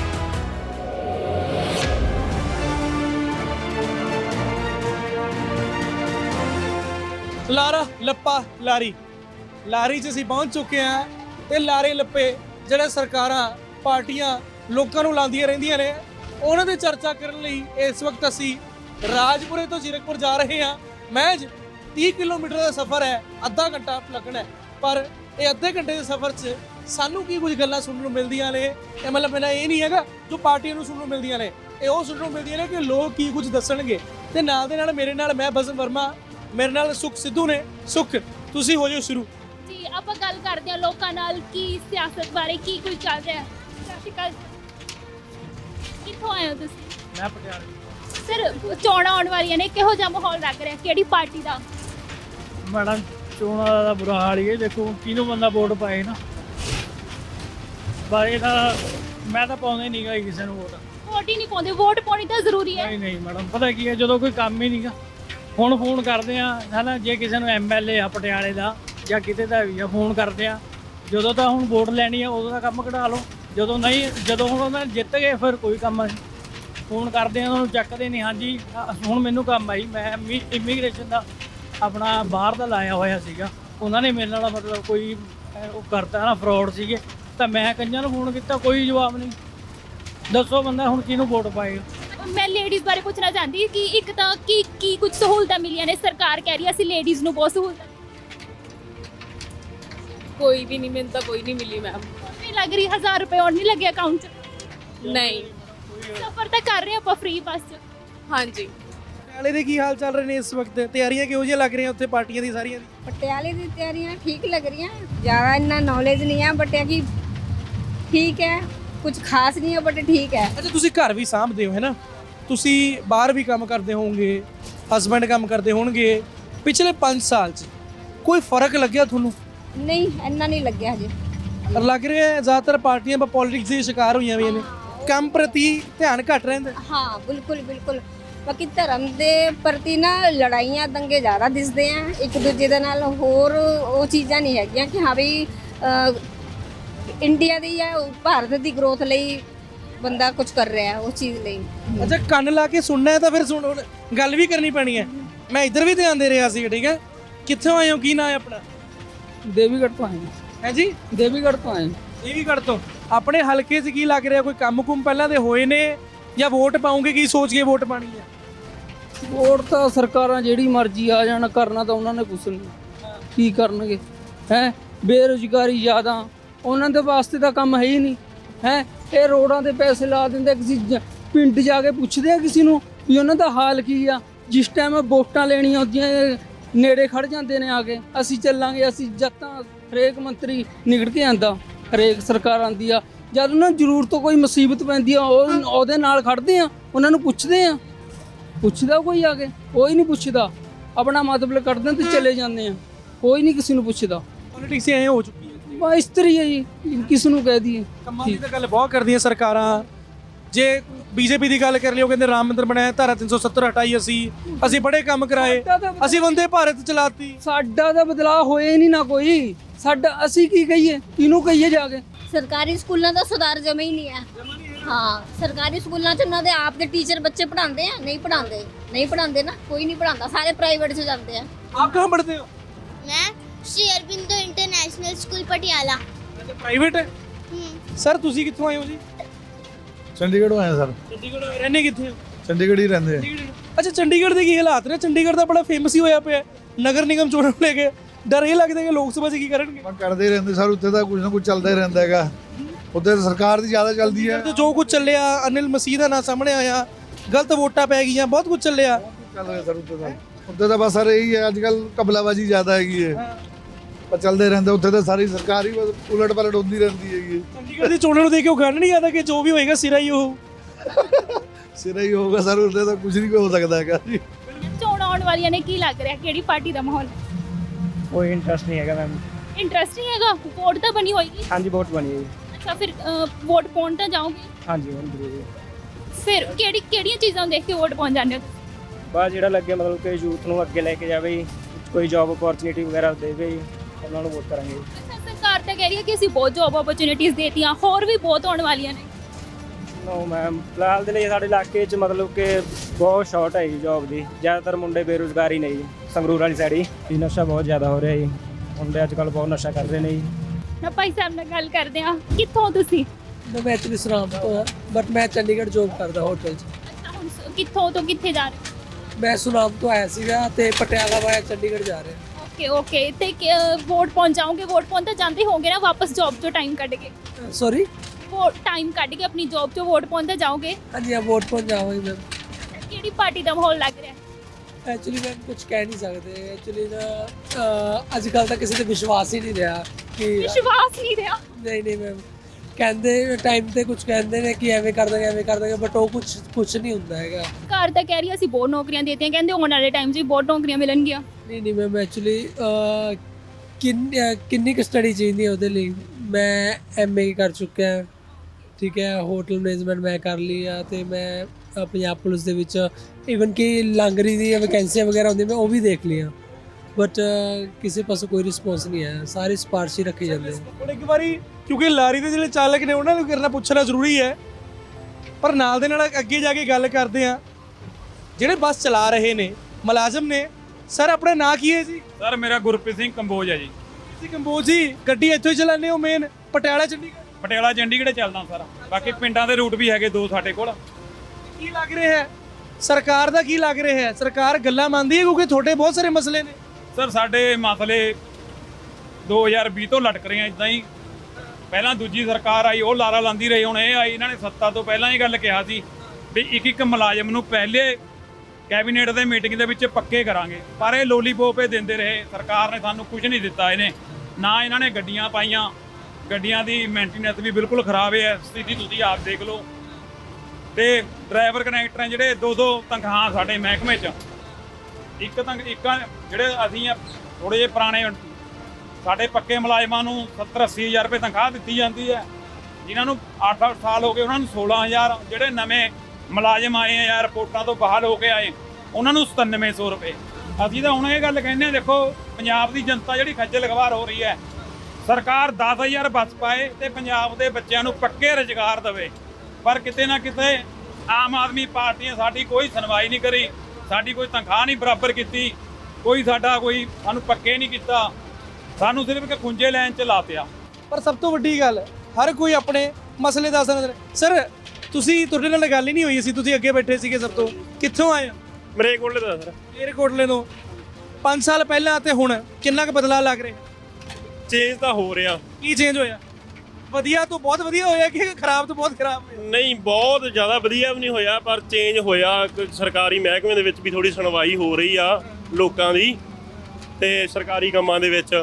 Speaker 6: ਲਾਰਾ ਲੱਪਾ ਲਾਰੀ ਲਾਰੀ 'ਚ ਅਸੀਂ ਪਹੁੰਚ ਚੁੱਕੇ ਹਾਂ ਤੇ ਲਾਰੇ ਲੱਪੇ ਜਿਹੜੇ ਸਰਕਾਰਾਂ ਪਾਰਟੀਆਂ ਲੋਕਾਂ ਨੂੰ ਲਾਉਂਦੀਆਂ ਰਹਿੰਦੀਆਂ ਨੇ, ਉਹਨਾਂ ਦੀ ਚਰਚਾ ਕਰਨ ਲਈ ਇਸ ਵਕਤ ਅਸੀਂ ਰਾਜਪੁਰੇ ਤੋਂ ਜ਼ੀਰਕਪੁਰ ਜਾ ਰਹੇ ਹਾਂ। ਮਹਿਜ ਤੀਹ ਕਿਲੋਮੀਟਰ ਦਾ ਸਫ਼ਰ ਹੈ, ਅੱਧਾ ਘੰਟਾ ਲੱਗਣਾ ਹੈ, ਪਰ ਇਹ ਅੱਧੇ ਘੰਟੇ ਦੇ ਸਫ਼ਰ 'ਚ ਸਾਨੂੰ ਕੀ ਕੁਝ ਗੱਲਾਂ ਸੁਣਨ ਨੂੰ ਮਿਲਦੀਆਂ ਨੇ। ਇਹ ਮਤਲਬ ਇਹਨਾਂ ਇਹ ਨਹੀਂ ਹੈਗਾ ਜੋ ਪਾਰਟੀਆਂ ਨੂੰ ਸੁਣਨ ਨੂੰ ਮਿਲਦੀਆਂ ਨੇ, ਇਹ ਉਹ ਸੁਣਨ ਨੂੰ ਮਿਲਦੀਆਂ ਨੇ ਕਿ ਲੋਕ ਕੀ ਕੁਝ ਦੱਸਣਗੇ। ਤੇ ਨਾਲ ਦੇ ਨਾਲ ਮੇਰੇ ਨਾਲ ਮੈਂ ਬਜ਼ਮ ਵਰਮਾ, ਮੇਰੇ ਨਾਲ ਸੁਖ ਸਿੱਧੂ ਨੇ। ਸੁਖ, ਤੁਸੀਂ ਹੋ ਜਾਓ ਸ਼ੁਰੂ।
Speaker 7: ਜੀ ਆਪਾਂ ਗੱਲ ਕਰਦੇ ਹਾਂ ਲੋਕਾਂ ਨਾਲ ਕੀ ਸਿਆਸਤ ਬਾਰੇ ਕੀ ਕੁਝ ਚੱਲ ਰਿਹਾ ਹੈ। ਸਤਿ ਸ਼੍ਰੀ ਅਕਾਲ। ਕਿੱਥੋਂ ਆਏ ਹੋ ਤੁਸੀਂ?
Speaker 4: ਮੈਂ ਪਟਿਆਲੇ।
Speaker 7: ਸਰ ਚੋਣਾਂ ਆਉਣ ਵਾਲੀਆਂ ਨੇ, ਕਿਹੋ ਜਿਹਾ ਮਾਹੌਲ ਲੱਗ ਰਿਹਾ, ਕਿਹੜੀ ਪਾਰਟੀ ਦਾ?
Speaker 4: ਮੈਡਮ ਚੋਣਾਂ ਦਾ ਬੁਰਾ ਹਾਲ ਹੀ ਹੈ, ਦੇਖੋ ਕਿਹਨੂੰ ਬੰਦਾ ਵੋਟ ਪਾਏ ਨਾ। ਬਾਰੇ ਤਾਂ ਮੈਂ ਤਾਂ ਪਾਉਂਦਾ ਹੀ ਨਹੀਂ ਗਾ ਕਿਸੇ ਨੂੰ ਵੋਟ।
Speaker 7: ਵੋਟ ਹੀ ਨਹੀਂ ਪਾਉਂਦੇ, ਵੋਟ ਪਾਉਣੀ ਤਾਂ ਜ਼ਰੂਰੀ ਹੈ।
Speaker 4: ਨਹੀਂ ਨਹੀਂ ਮੈਡਮ, ਪਤਾ ਕੀ ਹੈ, ਜਦੋਂ ਕੋਈ ਕੰਮ ਹੀ ਨਹੀਂਗਾ ਹੁਣ ਫੋਨ ਕਰਦੇ ਆ ਹੈ ਨਾ। ਜੇ ਕਿਸੇ ਨੂੰ ਐਮ ਐਲ ਏ ਆ ਪਟਿਆਲੇ ਦਾ ਜਾਂ ਕਿਤੇ ਦਾ ਵੀ ਆ, ਫੋਨ ਕਰਦੇ ਆ। ਜਦੋਂ ਤਾਂ ਹੁਣ ਵੋਟ ਲੈਣੀ ਆ ਉਦੋਂ ਦਾ ਕੰਮ ਕਢਾ ਲਓ, ਜਦੋਂ ਨਹੀਂ, ਜਦੋਂ ਹੁਣ ਉਹਨਾਂ ਜਿੱਤ ਗਏ ਫਿਰ ਕੋਈ ਕੰਮ ਨਹੀਂ। ਫੋਨ ਕਰਦੇ ਆ ਉਹਨਾਂ ਨੂੰ ਚੱਕਦੇ ਨਹੀਂ। ਹਾਂਜੀ ਹੁਣ ਮੈਨੂੰ ਕੰਮ ਆਈ, ਮੈਂ ਇਮੀਗ੍ਰੇਸ਼ਨ ਦਾ ਆਪਣਾ ਬਾਹਰ ਦਾ ਲਾਇਆ ਹੋਇਆ ਸੀਗਾ, ਉਹਨਾਂ ਨੇ ਮੇਰੇ ਨਾਲ ਮਤਲਬ ਕੋਈ ਉਹ ਕਰਤਾ ਨਾ, ਫਰੋਡ ਸੀਗੇ। ਤਾਂ ਮੈਂ ਕਈਆਂ ਨੂੰ ਫੋਨ ਕੀਤਾ, ਕੋਈ ਜਵਾਬ ਨਹੀਂ। ਦੱਸੋ ਬੰਦਾ ਹੁਣ ਕਿਹਨੂੰ ਵੋਟ ਪਾਏਗਾ।
Speaker 7: ਮੈਂ ਲੇਡੀਜ਼ ਬਾਰੇ ਪੁੱਛਣਾ ਚਾਹੁੰਦੀ ਕਿ ਇੱਕ ਤਾਂ ਕੀ ਕੀ ਕੁਝ ਸਹੂਲਤਾਂ ਮਿਲੀਆਂ ਨੇ, ਸਰਕਾਰ ਕਹਿ ਰਹੀ ਹੈ ਅਸੀਂ ਲੇਡੀਜ਼ ਨੂੰ ਬਹੁਤ ਸਹੂਲਤਾਂ।
Speaker 8: ਕੋਈ ਵੀ ਨਹੀਂ, ਮੈਨੂੰ ਤਾਂ ਕੋਈ ਨਹੀਂ ਮਿਲੀ ਮੈਮ।
Speaker 7: ਨਹੀਂ ਲੱਗ ਰਹੀ, ਹਜ਼ਾਰ ਰੁਪਏ ਹੋਰ ਨਹੀਂ ਲੱਗੇ ਅਕਾਊਂਟ 'ਚ?
Speaker 8: ਨਹੀਂ।
Speaker 7: ਸਫਰ ਤਾਂ ਕਰ ਰਹੇ ਆਪਾਂ ਫ੍ਰੀ ਬੱਸ 'ਚ।
Speaker 8: ਹਾਂਜੀ।
Speaker 6: ਪਟਿਆਲੇ ਦੇ ਕੀ ਹਾਲ ਚੱਲ ਰਹੇ ਨੇ ਇਸ ਵਕਤ? ਤਿਆਰੀਆਂ ਕਿਹੋ ਜਿਹੀਆਂ ਲੱਗ ਰਹੀਆਂ ਉੱਥੇ ਪਾਰਟੀਆਂ ਦੀ ਸਾਰੀਆਂ ਦੀ?
Speaker 9: ਪਟਿਆਲੇ ਦੀ ਤਿਆਰੀਆਂ ਠੀਕ ਲੱਗ ਰਹੀਆਂ, ਜ਼ਿਆਦਾ ਇੰਨਾ ਨੌਲੇਜ ਨਹੀਂ ਹੈ ਬਟ ਇਹ ਕਿ ਠੀਕ ਹੈ, ਕੁਝ ਖਾਸ ਨਹੀਂ ਹੈ ਬਟ ਠੀਕ ਹੈ।
Speaker 6: ਅੱਛਾ, ਤੁਸੀਂ ਘਰ ਵੀ ਸਾਂਭਦੇ ਹੋ ਹੈ ਨਾ, ਤੁਸੀਂ ਬਾਹਰ ਵੀ ਕੰਮ ਕਰਦੇ ਹੋਵੋਗੇ, ਹਸਬੈਂਡ ਕੰਮ ਕਰਦੇ ਹੋਣਗੇ। ਪਿਛਲੇ ਪੰਜ ਸਾਲ 'ਚ ਕੋਈ ਫਰਕ ਲੱਗਿਆ ਤੁਹਾਨੂੰ?
Speaker 9: ਨਹੀਂ, ਇੰਨਾ ਨਹੀਂ ਲੱਗਿਆ ਹਜੇ।
Speaker 6: ਲੱਗ ਰਿਹਾ ਹੈ ਜ਼ਿਆਦਾਤਰ ਪਾਰਟੀਆਂ ਪੋਲਿਟਿਕਸ ਦੇ ਸ਼ਿਕਾਰ ਹੋਈਆਂ ਹੋਈਆਂ ਨੇ, ਕੰਮ ਪ੍ਰਤੀ ਧਿਆਨ ਘੱਟ ਰਹਿੰਦਾ।
Speaker 9: ਹਾਂ ਬਿਲਕੁਲ ਬਿਲਕੁਲ। ਬਾਕੀ ਧਰਮ ਦੇ ਪ੍ਰਤੀ ਨਾ ਲੜਾਈਆਂ ਦੰਗੇ ਜ਼ਿਆਦਾ ਦਿਸਦੇ ਆ ਇੱਕ ਦੂਜੇ ਦੇ ਨਾਲ, ਹੋਰ ਉਹ ਚੀਜ਼ਾਂ ਨਹੀਂ ਹੈਗੀਆਂ ਕਿ ਹਾਂ ਵੀ ਇੰਡੀਆ ਦੀ ਜਾਂ ਭਾਰਤ ਦੀ ਗਰੋਥ ਲਈ ਬੰਦਾ ਕੁਝ ਕਰ ਰਿਹਾ ਉਸ ਚੀਜ਼ ਲਈ।
Speaker 6: ਅੱਛਾ, ਕੰਨ ਲਾ ਕੇ ਸੁਣਨਾ ਹੈ ਤਾਂ ਫਿਰ ਸੁਣ, ਗੱਲ ਵੀ ਕਰਨੀ ਪੈਣੀ ਹੈ। ਮੈਂ ਇੱਧਰ ਵੀ ਧਿਆਨ ਦੇ ਰਿਹਾ ਸੀ, ਠੀਕ ਹੈ। ਕਿੱਥੋਂ ਆਏ ਹੋ, ਕੀ ਨਾਂ ਹੈ ਆਪਣਾ?
Speaker 2: ਦੇਵੀਗੜ੍ਹ ਤੋਂ ਆਏ
Speaker 6: ਹੈ ਜੀ?
Speaker 2: ਦੇਵੀਗੜ੍ਹ ਤੋਂ ਆਏ।
Speaker 6: ਦੇਵੀਗੜ੍ਹ ਤੋਂ। ਆਪਣੇ ਹਲਕੇ 'ਚ ਕੀ ਲੱਗ ਰਿਹਾ, ਕੋਈ ਕੰਮ ਕੁਮ ਪਹਿਲਾਂ ਦੇ ਹੋਏ ਨੇ ਜਾਂ ਵੋਟ ਪਾਉਂਗੇ, ਕੀ ਸੋਚ ਕੇ ਵੋਟ ਪਾਣੀ ਹੈ?
Speaker 2: ਵੋਟ ਤਾਂ ਸਰਕਾਰਾਂ ਜਿਹੜੀ ਮਰਜ਼ੀ ਆ ਜਾਣ, ਕਰਨਾ ਤਾਂ ਉਹਨਾਂ ਨੇ ਕੁਛ ਨਹੀਂ। ਕੀ ਕਰਨਗੇ ਹੈ? ਬੇਰੁਜ਼ਗਾਰੀ ਜ਼ਿਆਦਾ, ਉਹਨਾਂ ਦੇ ਵਾਸਤੇ ਤਾਂ ਕੰਮ ਹੈ ਹੀ ਨਹੀਂ ਹੈ। ਇਹ ਰੋਡਾਂ ਤੇ ਪੈਸੇ ਲਾ ਦਿੰਦੇ, ਕਿਸੇ ਪਿੰਡ ਜਾ ਕੇ ਪੁੱਛਦੇ ਆ ਕਿਸੇ ਨੂੰ ਵੀ ਉਹਨਾਂ ਦਾ ਹਾਲ ਕੀ ਆ। ਜਿਸ ਟਾਈਮ ਵੋਟਾਂ ਲੈਣੀਆਂ ਹੁੰਦੀਆਂ ਨੇੜੇ ਖੜ ਜਾਂਦੇ ਨੇ ਆ ਕੇ, ਅਸੀਂ ਚੱਲਾਂਗੇ, ਅਸੀਂ ਜਦ ਤਾਂ ਹਰੇਕ ਮੰਤਰੀ ਨਿਕਲ ਕੇ ਆਂਦਾ, ਹਰੇਕ ਸਰਕਾਰ ਆਂਦੀ ਆ, ਜਦ ਉਹਨਾਂ ਨੂੰ ਜ਼ਰੂਰਤ ਕੋਈ ਮੁਸੀਬਤ ਪੈਂਦੀ ਆ ਉਹ ਉਹਦੇ ਨਾਲ ਖੜਦੇ ਆ, ਉਹਨਾਂ ਨੂੰ ਪੁੱਛਦੇ ਆ। ਪੁੱਛਦਾ ਕੋਈ ਆ ਕੇ? ਕੋਈ ਨਹੀਂ ਪੁੱਛਦਾ, ਆਪਣਾ ਮਤਲਬ ਕੱਢਦੇ ਤੇ ਚਲੇ ਜਾਂਦੇ ਆ, ਕੋਈ ਨਹੀਂ ਕਿਸੇ ਨੂੰ ਪੁੱਛਦਾ।
Speaker 6: ਪੋਲਿਟਿਕਸ ਐ ਹੋ ਚੁੱਕੀ ਹੈ
Speaker 2: ਬਸ ਇਸ ਤਰ੍ਹਾਂ ਹੀ ਹੈ ਜੀ, ਕਿਸ ਨੂੰ ਕਹਿ ਦਈਏ।
Speaker 6: ਕੰਮਾਂ ਦੀ ਤਾਂ ਗੱਲ ਬਹੁਤ ਕਰਦੀਆਂ ਸਰਕਾਰਾਂ। ਜੇ ਬੀਜੇਪੀ ਦੀ ਗੱਲ ਕਰ ਲਿਓ, ਕਹਿੰਦੇ ਰਾਮ ਮੰਦਿਰ ਬਣਾਇਆ, ਧਾਰਾ ਤਿੰਨ ਸੌ ਸੱਤਰ ਹਟਾਈ, ਅਸੀਂ ਅਸੀਂ ਬੜੇ ਕੰਮ ਕਰਾਏ, ਅਸੀਂ ਵੰਦੇ ਭਾਰਤ ਚਲਾਤੀ।
Speaker 2: ਸਾਡਾ ਤਾਂ ਬਦਲਾਅ ਹੋਇਆ ਹੀ ਨਹੀਂ ਨਾ ਕੋਈ। ਸਾਡਾ ਅਸੀਂ ਕੀ ਕਹੀਏ, ਕਿਹਨੂੰ ਕਹੀਏ ਜਾ ਕੇ?
Speaker 9: ਸਰਕਾਰੀ ਸਕੂਲਾਂ ਦਾ ਸੁਧਾਰ ਜਮਾ ਹੀ ਨਹੀਂ ਹੈ। ਹਾਂ, ਸਰਕਾਰੀ ਸਕੂਲਾਂ 'ਚ ਉਹਨਾਂ ਦੇ ਆਪ ਦੇ ਟੀਚਰ ਬੱਚੇ ਪੜ੍ਹਾਉਂਦੇ ਆ? ਨਹੀਂ ਪੜ੍ਹਾਉਂਦੇ, ਨਹੀਂ ਪੜ੍ਹਾਉਂਦੇ ਨਾ, ਕੋਈ ਨਹੀਂ ਪੜ੍ਹਾਉਂਦਾ, ਸਾਰੇ ਪ੍ਰਾਈਵੇਟ 'ਚ ਜਾਂਦੇ ਆ।
Speaker 6: ਆਪ ਕਹਾਂ ਪੜ੍ਹਦੇ ਹੋ?
Speaker 10: मैं श्री अरबिंदो इंटरनेशनल स्कूल पटियाला।
Speaker 6: ਅੱਛਾ, ਪ੍ਰਾਈਵੇਟ ਹੈ। ਸਰ ਤੁਸੀਂ ਕਿੱਥੋਂ ਆਏ ਹੋ ਜੀ?
Speaker 11: ਚੰਡੀਗੜ੍ਹੋਂ ਆਏ ਸਰ।
Speaker 6: ਚੰਡੀਗੜ੍ਹ ਰਹਿੰਦੇ ਕਿੱਥੇ ਹੋ?
Speaker 11: ਚੰਡੀਗੜ੍ਹ ਹੀ ਰਹਿੰਦੇ ਆ।
Speaker 6: ਅੱਛਾ, ਚੰਡੀਗੜ੍ਹ ਦੇ ਕੀ ਹਾਲਾਤ ਨੇ? ਚੰਡੀਗੜ੍ਹ ਦਾ ਬੜਾ ਫੇਮਸ ਹੀ ਹੋਇਆ ਪਿਆ ਨਗਰ ਨਿਗਮ ਚੋਣਾਂ ਨੂੰ ਲੈ ਕੇ। ਡਰ ਇਹ ਲੱਗਦਾ ਕਿ ਲੋਕ ਸਭਾ 'ਚ ਕੀ ਕਰਨਗੇ?
Speaker 11: ਮੈਂ ਕਰਦੇ ਰਹਿੰਦੇ ਸਰ, ਉੱਥੇ ਤਾਂ ਕੁਝ ਨਾ ਕੁਝ ਚੱਲਦਾ ਹੀ ਰਹਿੰਦਾ ਹੈਗਾ। ਉੱਥੇ ਤਾਂ ਸਰਕਾਰ ਦੀ ਜ਼ਿਆਦਾ ਚੱਲਦੀ ਹੈ।
Speaker 6: ਤੇ ਜੋ ਕੁਝ ਚੱਲਿਆ, ਅਨਿਲ ਮਸੀਹ ਦਾ ਨਾਂ ਸਾਹਮਣੇ ਆਇਆ, ਗਲਤ ਵੋਟਾਂ ਪੈ ਗਈਆਂ, ਬਹੁਤ ਕੁਝ ਚੱਲਿਆ।
Speaker 11: ਚੱਲ ਰਿਹਾ ਸਰ ਉੱਥੇ ਤਾਂ। ਉੱਥੇ ਤਾਂ ਬਸ ਸਰ ਇਹੀ ਹੈ, ਅੱਜ ਕੱਲ੍ਹ ਕਬਲਾਬਾਜੀ ਜ਼ਿਆਦਾ ਹੈਗੀ ਹੈ, ਪਰ ਚੱਲਦੇ ਰਹਿੰਦੇ ਉੱਥੇ ਤਾਂ ਸਾਰੀ ਸਰਕਾਰ ਹੀ ਬਸ ਉਲਟ ਪਲਟ ਹੁੰਦੀ ਰਹਿੰਦੀ ਹੈਗੀ।
Speaker 6: ਚੰਡੀਗੜ੍ਹ ਦੀ ਚੋਣਾਂ ਨੂੰ ਦੇਖ ਕੇ ਉਹ ਗੱਲ ਨਹੀਂ ਆਦਾ ਕਿ ਜੋ ਵੀ ਹੋਏਗਾ ਸਿਰਾ ਹੀ ਉਹ
Speaker 11: ਸਿਰਾ ਹੀ ਹੋਊਗਾ ਸਰ, ਉਹਦੇ ਤਾਂ ਕੁਝ ਨਹੀਂ ਹੋ ਸਕਦਾ ਹੈਗਾ ਜੀ।
Speaker 7: ਚੋਣ ਆਉਣ ਵਾਲੀਆਂ ਨੇ, ਕੀ ਲੱਗ ਰਿਹਾ ਕਿਹੜੀ ਪਾਰਟੀ ਦਾ ਮਾਹੌਲ?
Speaker 4: ਕੋਈ ਇੰਟਰਸਟ ਨਹੀਂ ਹੈਗਾ ਮੈਮ।
Speaker 7: ਇੰਟਰਸਟ ਨਹੀਂ ਹੈਗਾ? ਵੋਟ ਤਾਂ ਬਣੀ ਹੋਏਗੀ।
Speaker 4: ਹਾਂਜੀ ਵੋਟ ਬਣੀ ਹੈ।
Speaker 7: ਅੱਛਾ, ਫਿਰ ਅ, ਵੋਟ ਪਾਉਣ ਤਾਂ ਜਾਓਗੇ?
Speaker 4: ਹਾਂਜੀ ਹੁਣ ਜ਼ਰੂਰ।
Speaker 7: ਫਿਰ ਕਿਹੜੀ ਕਿਹੜੀਆਂ ਚੀਜ਼ਾਂ ਨੂੰ ਦੇਖ ਕੇ ਵੋਟ ਪਾਉਣ ਜਾਂਦੇ ਹੋ?
Speaker 4: ਬਸ ਜਿਹੜਾ ਲੱਗੇ ਮਤਲਬ ਕਿ ਯੂਥ ਨੂੰ ਅੱਗੇ ਲੈ ਕੇ ਜਾਵੇ ਜੀ, ਕੋਈ ਜੌਬ ਅਪੋਰਚੁਨਿਟੀ ਵਗੈਰਾ ਦੇਵੇ ਜੀ, ਉਹਨਾਂ ਨੂੰ ਵੋਟ ਕਰਾਂਗੇ।
Speaker 7: ਅੱਛਾ, ਸਰਕਾਰ ਤਾਂ ਕਹਿ ਰਹੀ ਹੈ ਕਿ ਅਸੀਂ ਬਹੁਤ ਜੌਬ ਓਪਰਚੁਨਿਟੀਜ਼ ਦੇਤੀਆਂ, ਹੋਰ ਵੀ ਬਹੁਤ ਆਉਣ ਵਾਲੀਆਂ ਨੇ।
Speaker 4: ਨੋ ਮੈਮ, ਫਿਲਹਾਲ ਦੇ ਲਈ ਸਾਡੇ ਇਲਾਕੇ 'ਚ ਮਤਲਬ ਕਿ ਬਹੁਤ ਸ਼ਾਰਟ ਹੈ ਜੀ ਜੌਬ ਦੀ। ਜ਼ਿਆਦਾਤਰ ਮੁੰਡੇ ਬੇਰੁਜ਼ਗਾਰ ਹੀ ਨੇ ਜੀ, ਸੰਗਰੂਰ ਵਾਲੀ ਸਾਈਡ ਹੀ। ਨਸ਼ਾ ਬਹੁਤ ਜ਼ਿਆਦਾ ਹੋ ਰਿਹਾ ਜੀ, ਮੁੰਡੇ ਅੱਜ ਕੱਲ੍ਹ ਬਹੁਤ ਨਸ਼ਾ ਕਰ ਰਹੇ ਨੇ ਜੀ।
Speaker 7: ਨਾ ਭਾਈ ਸਾਹਿਬ ਨਾਲ ਗੱਲ ਕਰਦੇ ਹਾਂ, ਕਿੱਥੋਂ ਤੁਸੀਂ?
Speaker 2: ਮੈਂ ਐਕਚੁਅਲੀ ਸੁਨਾਮ ਤੋਂ ਹਾਂ, ਬਟ ਮੈਂ ਚੰਡੀਗੜ੍ਹ ਜੋਬ ਕਰਦਾ ਹੋਟਲ 'ਚ।
Speaker 7: ਅੱਛਾ, ਹੁਣ ਸ- ਕਿੱਥੋਂ ਤੋਂ ਕਿੱਥੇ ਜਾ ਰਹੇ ਹੋ?
Speaker 2: ਮੈਂ ਸੁਨਾਮ ਤੋਂ ਆਇਆ ਸੀਗਾ ਤੇ ਪਟਿਆਲਾ ਵਾਇਆ ਚੰਡੀਗੜ੍ਹ ਜਾ ਰਿਹਾ।
Speaker 7: ਓਕੇ ਓਕੇ, ਤੇ ਕਿ- ਅ, ਵੋਟ ਪਾਉਣ ਜਾਓਗੇ? ਵੋਟ ਪਾਉਣ ਤਾਂ ਜਾਂਦੇ ਹੋਗੇ ਨਾ ਵਾਪਸ ਜੌਬ ਤੋਂ ਟਾਈਮ ਕੱਢ ਕੇ?
Speaker 2: ਸੌਰੀ?
Speaker 7: ਵੋਟ ਟਾਈਮ ਕੱਢ ਕੇ ਆਪਣੀ ਜੌਬ ਤੋਂ ਵੋਟ ਪਾਉਣ ਤਾਂ ਜਾਓਗੇ?
Speaker 2: ਹਾਂਜੀ ਹਾਂ, ਵੋਟ ਪਾਉਣ ਜਾਵਾਂਗੇ ਮੈਮ।
Speaker 7: ਕਿਹੜੀ ਪਾਰਟੀ ਦਾ ਮਾਹੌਲ ਲੱਗ ਰਿਹਾ ਹੈ?
Speaker 2: ਐਕਚੁਅਲੀ ਮੈਮ ਕੁਝ ਕਹਿ ਨਹੀਂ ਸਕਦੇ। ਐਕਚੁਅਲੀ ਨਾ ਅਹ, ਅੱਜ ਕੱਲ੍ਹ ਤਾਂ ਕਿਸੇ ਤੇ ਵਿਸ਼ਵਾਸ ਹੀ ਨਹੀਂ ਰਿਹਾ ਕਿ
Speaker 7: ਵਿਸ਼ਵਾਸ ਨਹੀਂ ਰਿਹਾ।
Speaker 2: ਨਹੀਂ ਨਹੀਂ ਮੈਮ, ਕਹਿੰਦੇ ਟਾਈਮ ਤੇ ਕੁਝ ਕਹਿੰਦੇ ਨੇ ਕਿ ਐਵੇਂ ਕਰ ਦਾਂਗੇ ਐਵੇਂ ਕਰ ਦਾਂਗੇ, ਬਟ ਉਹ ਕੁਝ ਕੁਝ ਨਹੀਂ ਹੁੰਦਾ ਹੈਗਾ।
Speaker 7: ਘਰ ਤਾਂ ਕਹਿ ਰਹੀ ਅਸੀਂ ਬਹੁਤ ਨੌਕਰੀਆਂ ਦੇਤੀਆਂ, ਕਹਿੰਦੇ ਆਉਣ ਵਾਲੇ ਟਾਈਮ 'ਚ ਵੀ ਬਹੁਤ ਨੌਕਰੀਆਂ ਮਿਲਣਗੀਆਂ।
Speaker 2: ਨਹੀਂ ਨਹੀਂ ਮੈਮ, ਐਕਚੁਅਲੀ ਕਿੰਨ ਅਹ, ਕਿੰਨੀ ਕੁ ਸਟੱਡੀ ਚਾਹੀਦੀ ਹੈ ਉਹਦੇ ਲਈ? ਮੈਂ ਐਮ ਏ ਕਰ ਚੁੱਕਿਆ, ਠੀਕ ਹੈ, ਹੋਟਲ ਮੈਨੇਜਮੈਂਟ ਮੈਂ ਕਰ ਲਈ ਆ, ਅਤੇ ਮੈਂ ਅ, ਪੰਜਾਬ ਪੁਲਿਸ ਦੇ ਵਿੱਚ ਈਵਨ ਕਿ ਲਾਂਗਰੀ ਦੀਆਂ ਵੈਕੈਂਸੀਆਂ ਵਗੈਰਾ ਹੁੰਦੀਆਂ ਮੈਂ ਉਹ ਵੀ ਦੇਖ ਲਈਆਂ, ਬਟ ਕਿਸੇ ਪਾਸੋਂ ਕੋਈ ਰਿਸਪੌਂਸ ਨਹੀਂ ਆਇਆ, ਸਾਰੇ ਸਿਫਾਰਸ਼ ਹੀ ਰੱਖੇ ਜਾਂਦੇ ਆ।
Speaker 6: ਹੁਣ ਇੱਕ ਵਾਰੀ ਕਿਉਂਕਿ ਲਾਰੀ ਦੇ ਜਿਹੜੇ ਚਾਲਕ ਨੇ ਉਹਨਾਂ ਨੂੰ ਕਰਨਾ ਪੁੱਛਣਾ ਜ਼ਰੂਰੀ ਹੈ, ਪਰ ਨਾਲ ਦੇ ਨਾਲ ਅੱਗੇ ਜਾ ਕੇ ਗੱਲ ਕਰਦੇ ਆ ਜਿਹੜੇ ਬੱਸ ਚਲਾ ਰਹੇ ਨੇ ਮੁਲਾਜ਼ਮ ਨੇ। ਸਰ ਆਪਣਾ ਨਾਂ ਕੀ ਹੈ ਜੀ?
Speaker 3: ਸਰ ਮੇਰਾ ਗੁਰਪ੍ਰੀਤ ਸਿੰਘ ਕੰਬੋਜ ਹੈ ਜੀ।
Speaker 6: ਤੁਸੀਂ ਕੰਬੋਜ ਜੀ ਗੱਡੀ ਇੱਥੋਂ ਹੀ ਚਲਾਉਂਦੇ ਹੋ ਮੇਨ ਪਟਿਆਲਾ ਚੰਡੀਗੜ੍ਹ?
Speaker 3: ਪਟਿਆਲਾ ਚੰਡੀਗੜ੍ਹ ਚੱਲਦਾ ਸਰ, ਬਾਕੀ ਪਿੰਡਾਂ ਦੇ ਰੂਟ ਵੀ ਹੈਗੇ ਦੋ ਸਾਡੇ ਕੋਲ।
Speaker 6: ਕੀ ਲੱਗ ਰਿਹਾ ਹੈ ਸਰਕਾਰ ਦਾ, ਕੀ ਲੱਗ ਰਿਹਾ ਹੈ ਸਰਕਾਰ ਗੱਲਾਂ ਮੰਨਦੀ ਹੈ? ਕਿਉਂਕਿ ਤੁਹਾਡੇ ਬਹੁਤ ਸਾਰੇ ਮਸਲੇ ਨੇ
Speaker 3: ਸਰ। ਸਾਡੇ ਮਸਲੇ ਦੋ ਹਜ਼ਾਰ ਵੀਹ ਤੋਂ ਲਟਕ ਰਹੇ ਆ ਇਦਾਂ ਹੀ। ਪਹਿਲਾਂ ਦੂਜੀ ਸਰਕਾਰ ਆਈ, ਉਹ ਲਾਰਾ ਲਾਂਦੀ ਰਹੀ, ਹੁਣ ਇਹ ਆਈ, ਇਹਨਾਂ ਨੇ ਸੱਤਾ ਤੋਂ ਪਹਿਲਾਂ ਹੀ ਗੱਲ ਕਿਹਾ ਸੀ ਵੀ ਇੱਕ ਇੱਕ ਮੁਲਾਜ਼ਮ ਨੂੰ ਪਹਿਲੇ ਕੈਬਨਿਟ ਦੇ ਮੀਟਿੰਗ ਦੇ ਵਿੱਚ ਪੱਕੇ ਕਰਾਂਗੇ, ਪਰ ਇਹ ਲੋਲੀਪੋਪ ਇਹ ਦਿੰਦੇ ਰਹੇ। ਸਰਕਾਰ ਨੇ ਸਾਨੂੰ ਕੁਝ ਨਹੀਂ ਦਿੱਤਾ, ਇਹਨੇ ਨਾ ਇਹਨਾਂ ਨੇ ਗੱਡੀਆਂ ਪਾਈਆਂ, ਗੱਡੀਆਂ ਦੀ ਮੇਨਟੇਨੈਂਸ ਵੀ ਬਿਲਕੁਲ ਖਰਾਬ ਹੈ ਸਥਿਤੀ, ਤੁਸੀਂ ਆਪ ਦੇਖ ਲਓ। ਤੇ ਡਰਾਈਵਰ ਕਨੈਕਟਰ ਜਿਹੜੇ ਦੋ ਦੋ ਤਨਖਾਹਾਂ ਸਾਡੇ ਮਹਿਕਮੇ 'ਚ, ਇੱਕ ਤਾਂ ਇੱਕ ਜਿਹੜੇ ਅਸੀਂ ਆ ਥੋੜ੍ਹੇ ਜਿਹੇ ਪੁਰਾਣੇ, ਸਾਡੇ ਪੱਕੇ ਮੁਲਾਜ਼ਮਾਂ ਨੂੰ ਸੱਤਰ ਅੱਸੀ ਹਜ਼ਾਰ ਰੁਪਏ ਤਨਖਾਹ ਦਿੱਤੀ ਜਾਂਦੀ ਹੈ, ਜਿਨ੍ਹਾਂ ਨੂੰ ਅੱਠ ਅੱਠ ਸਾਲ ਹੋ ਗਏ ਉਹਨਾਂ ਨੂੰ ਸੋਲਾਂ ਹਜ਼ਾਰ, ਜਿਹੜੇ ਨਵੇਂ ਮੁਲਾਜ਼ਮ ਆਏ ਆ ਜਾਂ ਰਿਪੋਰਟਾਂ ਤੋਂ ਬਾਹਰ ਹੋ ਕੇ ਆਏ ਉਹਨਾਂ ਨੂੰ ਸਤਾਨਵੇਂ ਸੌ ਰੁਪਏ। ਅਸੀਂ ਤਾਂ ਹੁਣ ਇਹ ਗੱਲ ਕਹਿੰਦੇ ਹਾਂ, ਦੇਖੋ ਪੰਜਾਬ ਦੀ ਜਨਤਾ ਜਿਹੜੀ ਖੱਜਲ ਖਵਾਰ ਹੋ ਰਹੀ ਹੈ, ਸਰਕਾਰ ਦਸ ਹਜ਼ਾਰ ਬੱਸ ਪਾਏ ਤੇ ਪੰਜਾਬ ਦੇ ਬੱਚਿਆਂ ਨੂੰ ਪੱਕੇ ਰੁਜ਼ਗਾਰ ਦੇਵੇ, ਪਰ ਕਿਤੇ ਨਾ ਕਿਤੇ ਆਮ ਆਦਮੀ ਪਾਰਟੀਆਂ ਸਾਡੀ ਕੋਈ ਸੁਣਵਾਈ ਨਹੀਂ ਕਰੀ, ਸਾਡੀ ਕੋਈ ਤਨਖਾਹ ਨਹੀਂ ਬਰਾਬਰ ਕੀਤੀ, ਕੋਈ ਸਾਡਾ ਕੋਈ ਸਾਨੂੰ ਪੱਕੇ ਨਹੀਂ ਕੀਤਾ, ਸਾਨੂੰ ਸਿਰਫ ਇੱਕ ਖੁੰਝੇ ਲਾਈਨ 'ਚ ਲਾਤਿਆ।
Speaker 6: ਪਰ ਸਭ ਤੋਂ ਵੱਡੀ ਗੱਲ ਹਰ ਕੋਈ ਆਪਣੇ ਮਸਲੇ ਦੱਸ ਰਿਹਾ। ਸਰ ਤੁਸੀਂ ਤੁਹਾਡੇ ਨਾਲ ਗੱਲ ਹੀ ਨਹੀਂ ਹੋਈ ਸੀ, ਤੁਸੀਂ ਅੱਗੇ ਬੈਠੇ ਸੀਗੇ ਸਭ ਤੋਂ। ਕਿੱਥੋਂ ਆਏ ਹੋ?
Speaker 3: ਮਰੇਕੋਟਲੇ ਦਾ ਸਰ।
Speaker 6: ਮਰੇਕੋਟਲੇ ਤੋਂ। ਪੰਜ ਸਾਲ ਪਹਿਲਾਂ ਤੇ ਹੁਣ ਕਿੰਨਾ ਕੁ ਬਦਲਾਅ ਲੱਗ ਰਿਹਾ?
Speaker 3: ਚੇਂਜ ਤਾਂ ਹੋ ਰਿਹਾ।
Speaker 6: ਕੀ ਚੇਂਜ ਹੋਇਆ? ਵਧੀਆ ਤੋਂ ਬਹੁਤ ਵਧੀਆ ਹੋਇਆ ਕਿ ਖਰਾਬ ਤੋਂ ਬਹੁਤ ਖਰਾਬ ਹੋਇਆ?
Speaker 3: ਨਹੀਂ, ਬਹੁਤ ਜ਼ਿਆਦਾ ਵਧੀਆ ਵੀ ਨਹੀਂ ਹੋਇਆ, ਪਰ ਚੇਂਜ ਹੋਇਆ। ਸਰਕਾਰੀ ਮਹਿਕਮੇ ਦੇ ਵਿੱਚ ਵੀ ਥੋੜੀ ਸੁਣਵਾਈ ਹੋ ਰਹੀ ਆ ਲੋਕਾਂ ਦੀ ਤੇ ਸਰਕਾਰੀ ਕੰਮਾਂ ਦੇ ਵਿੱਚ।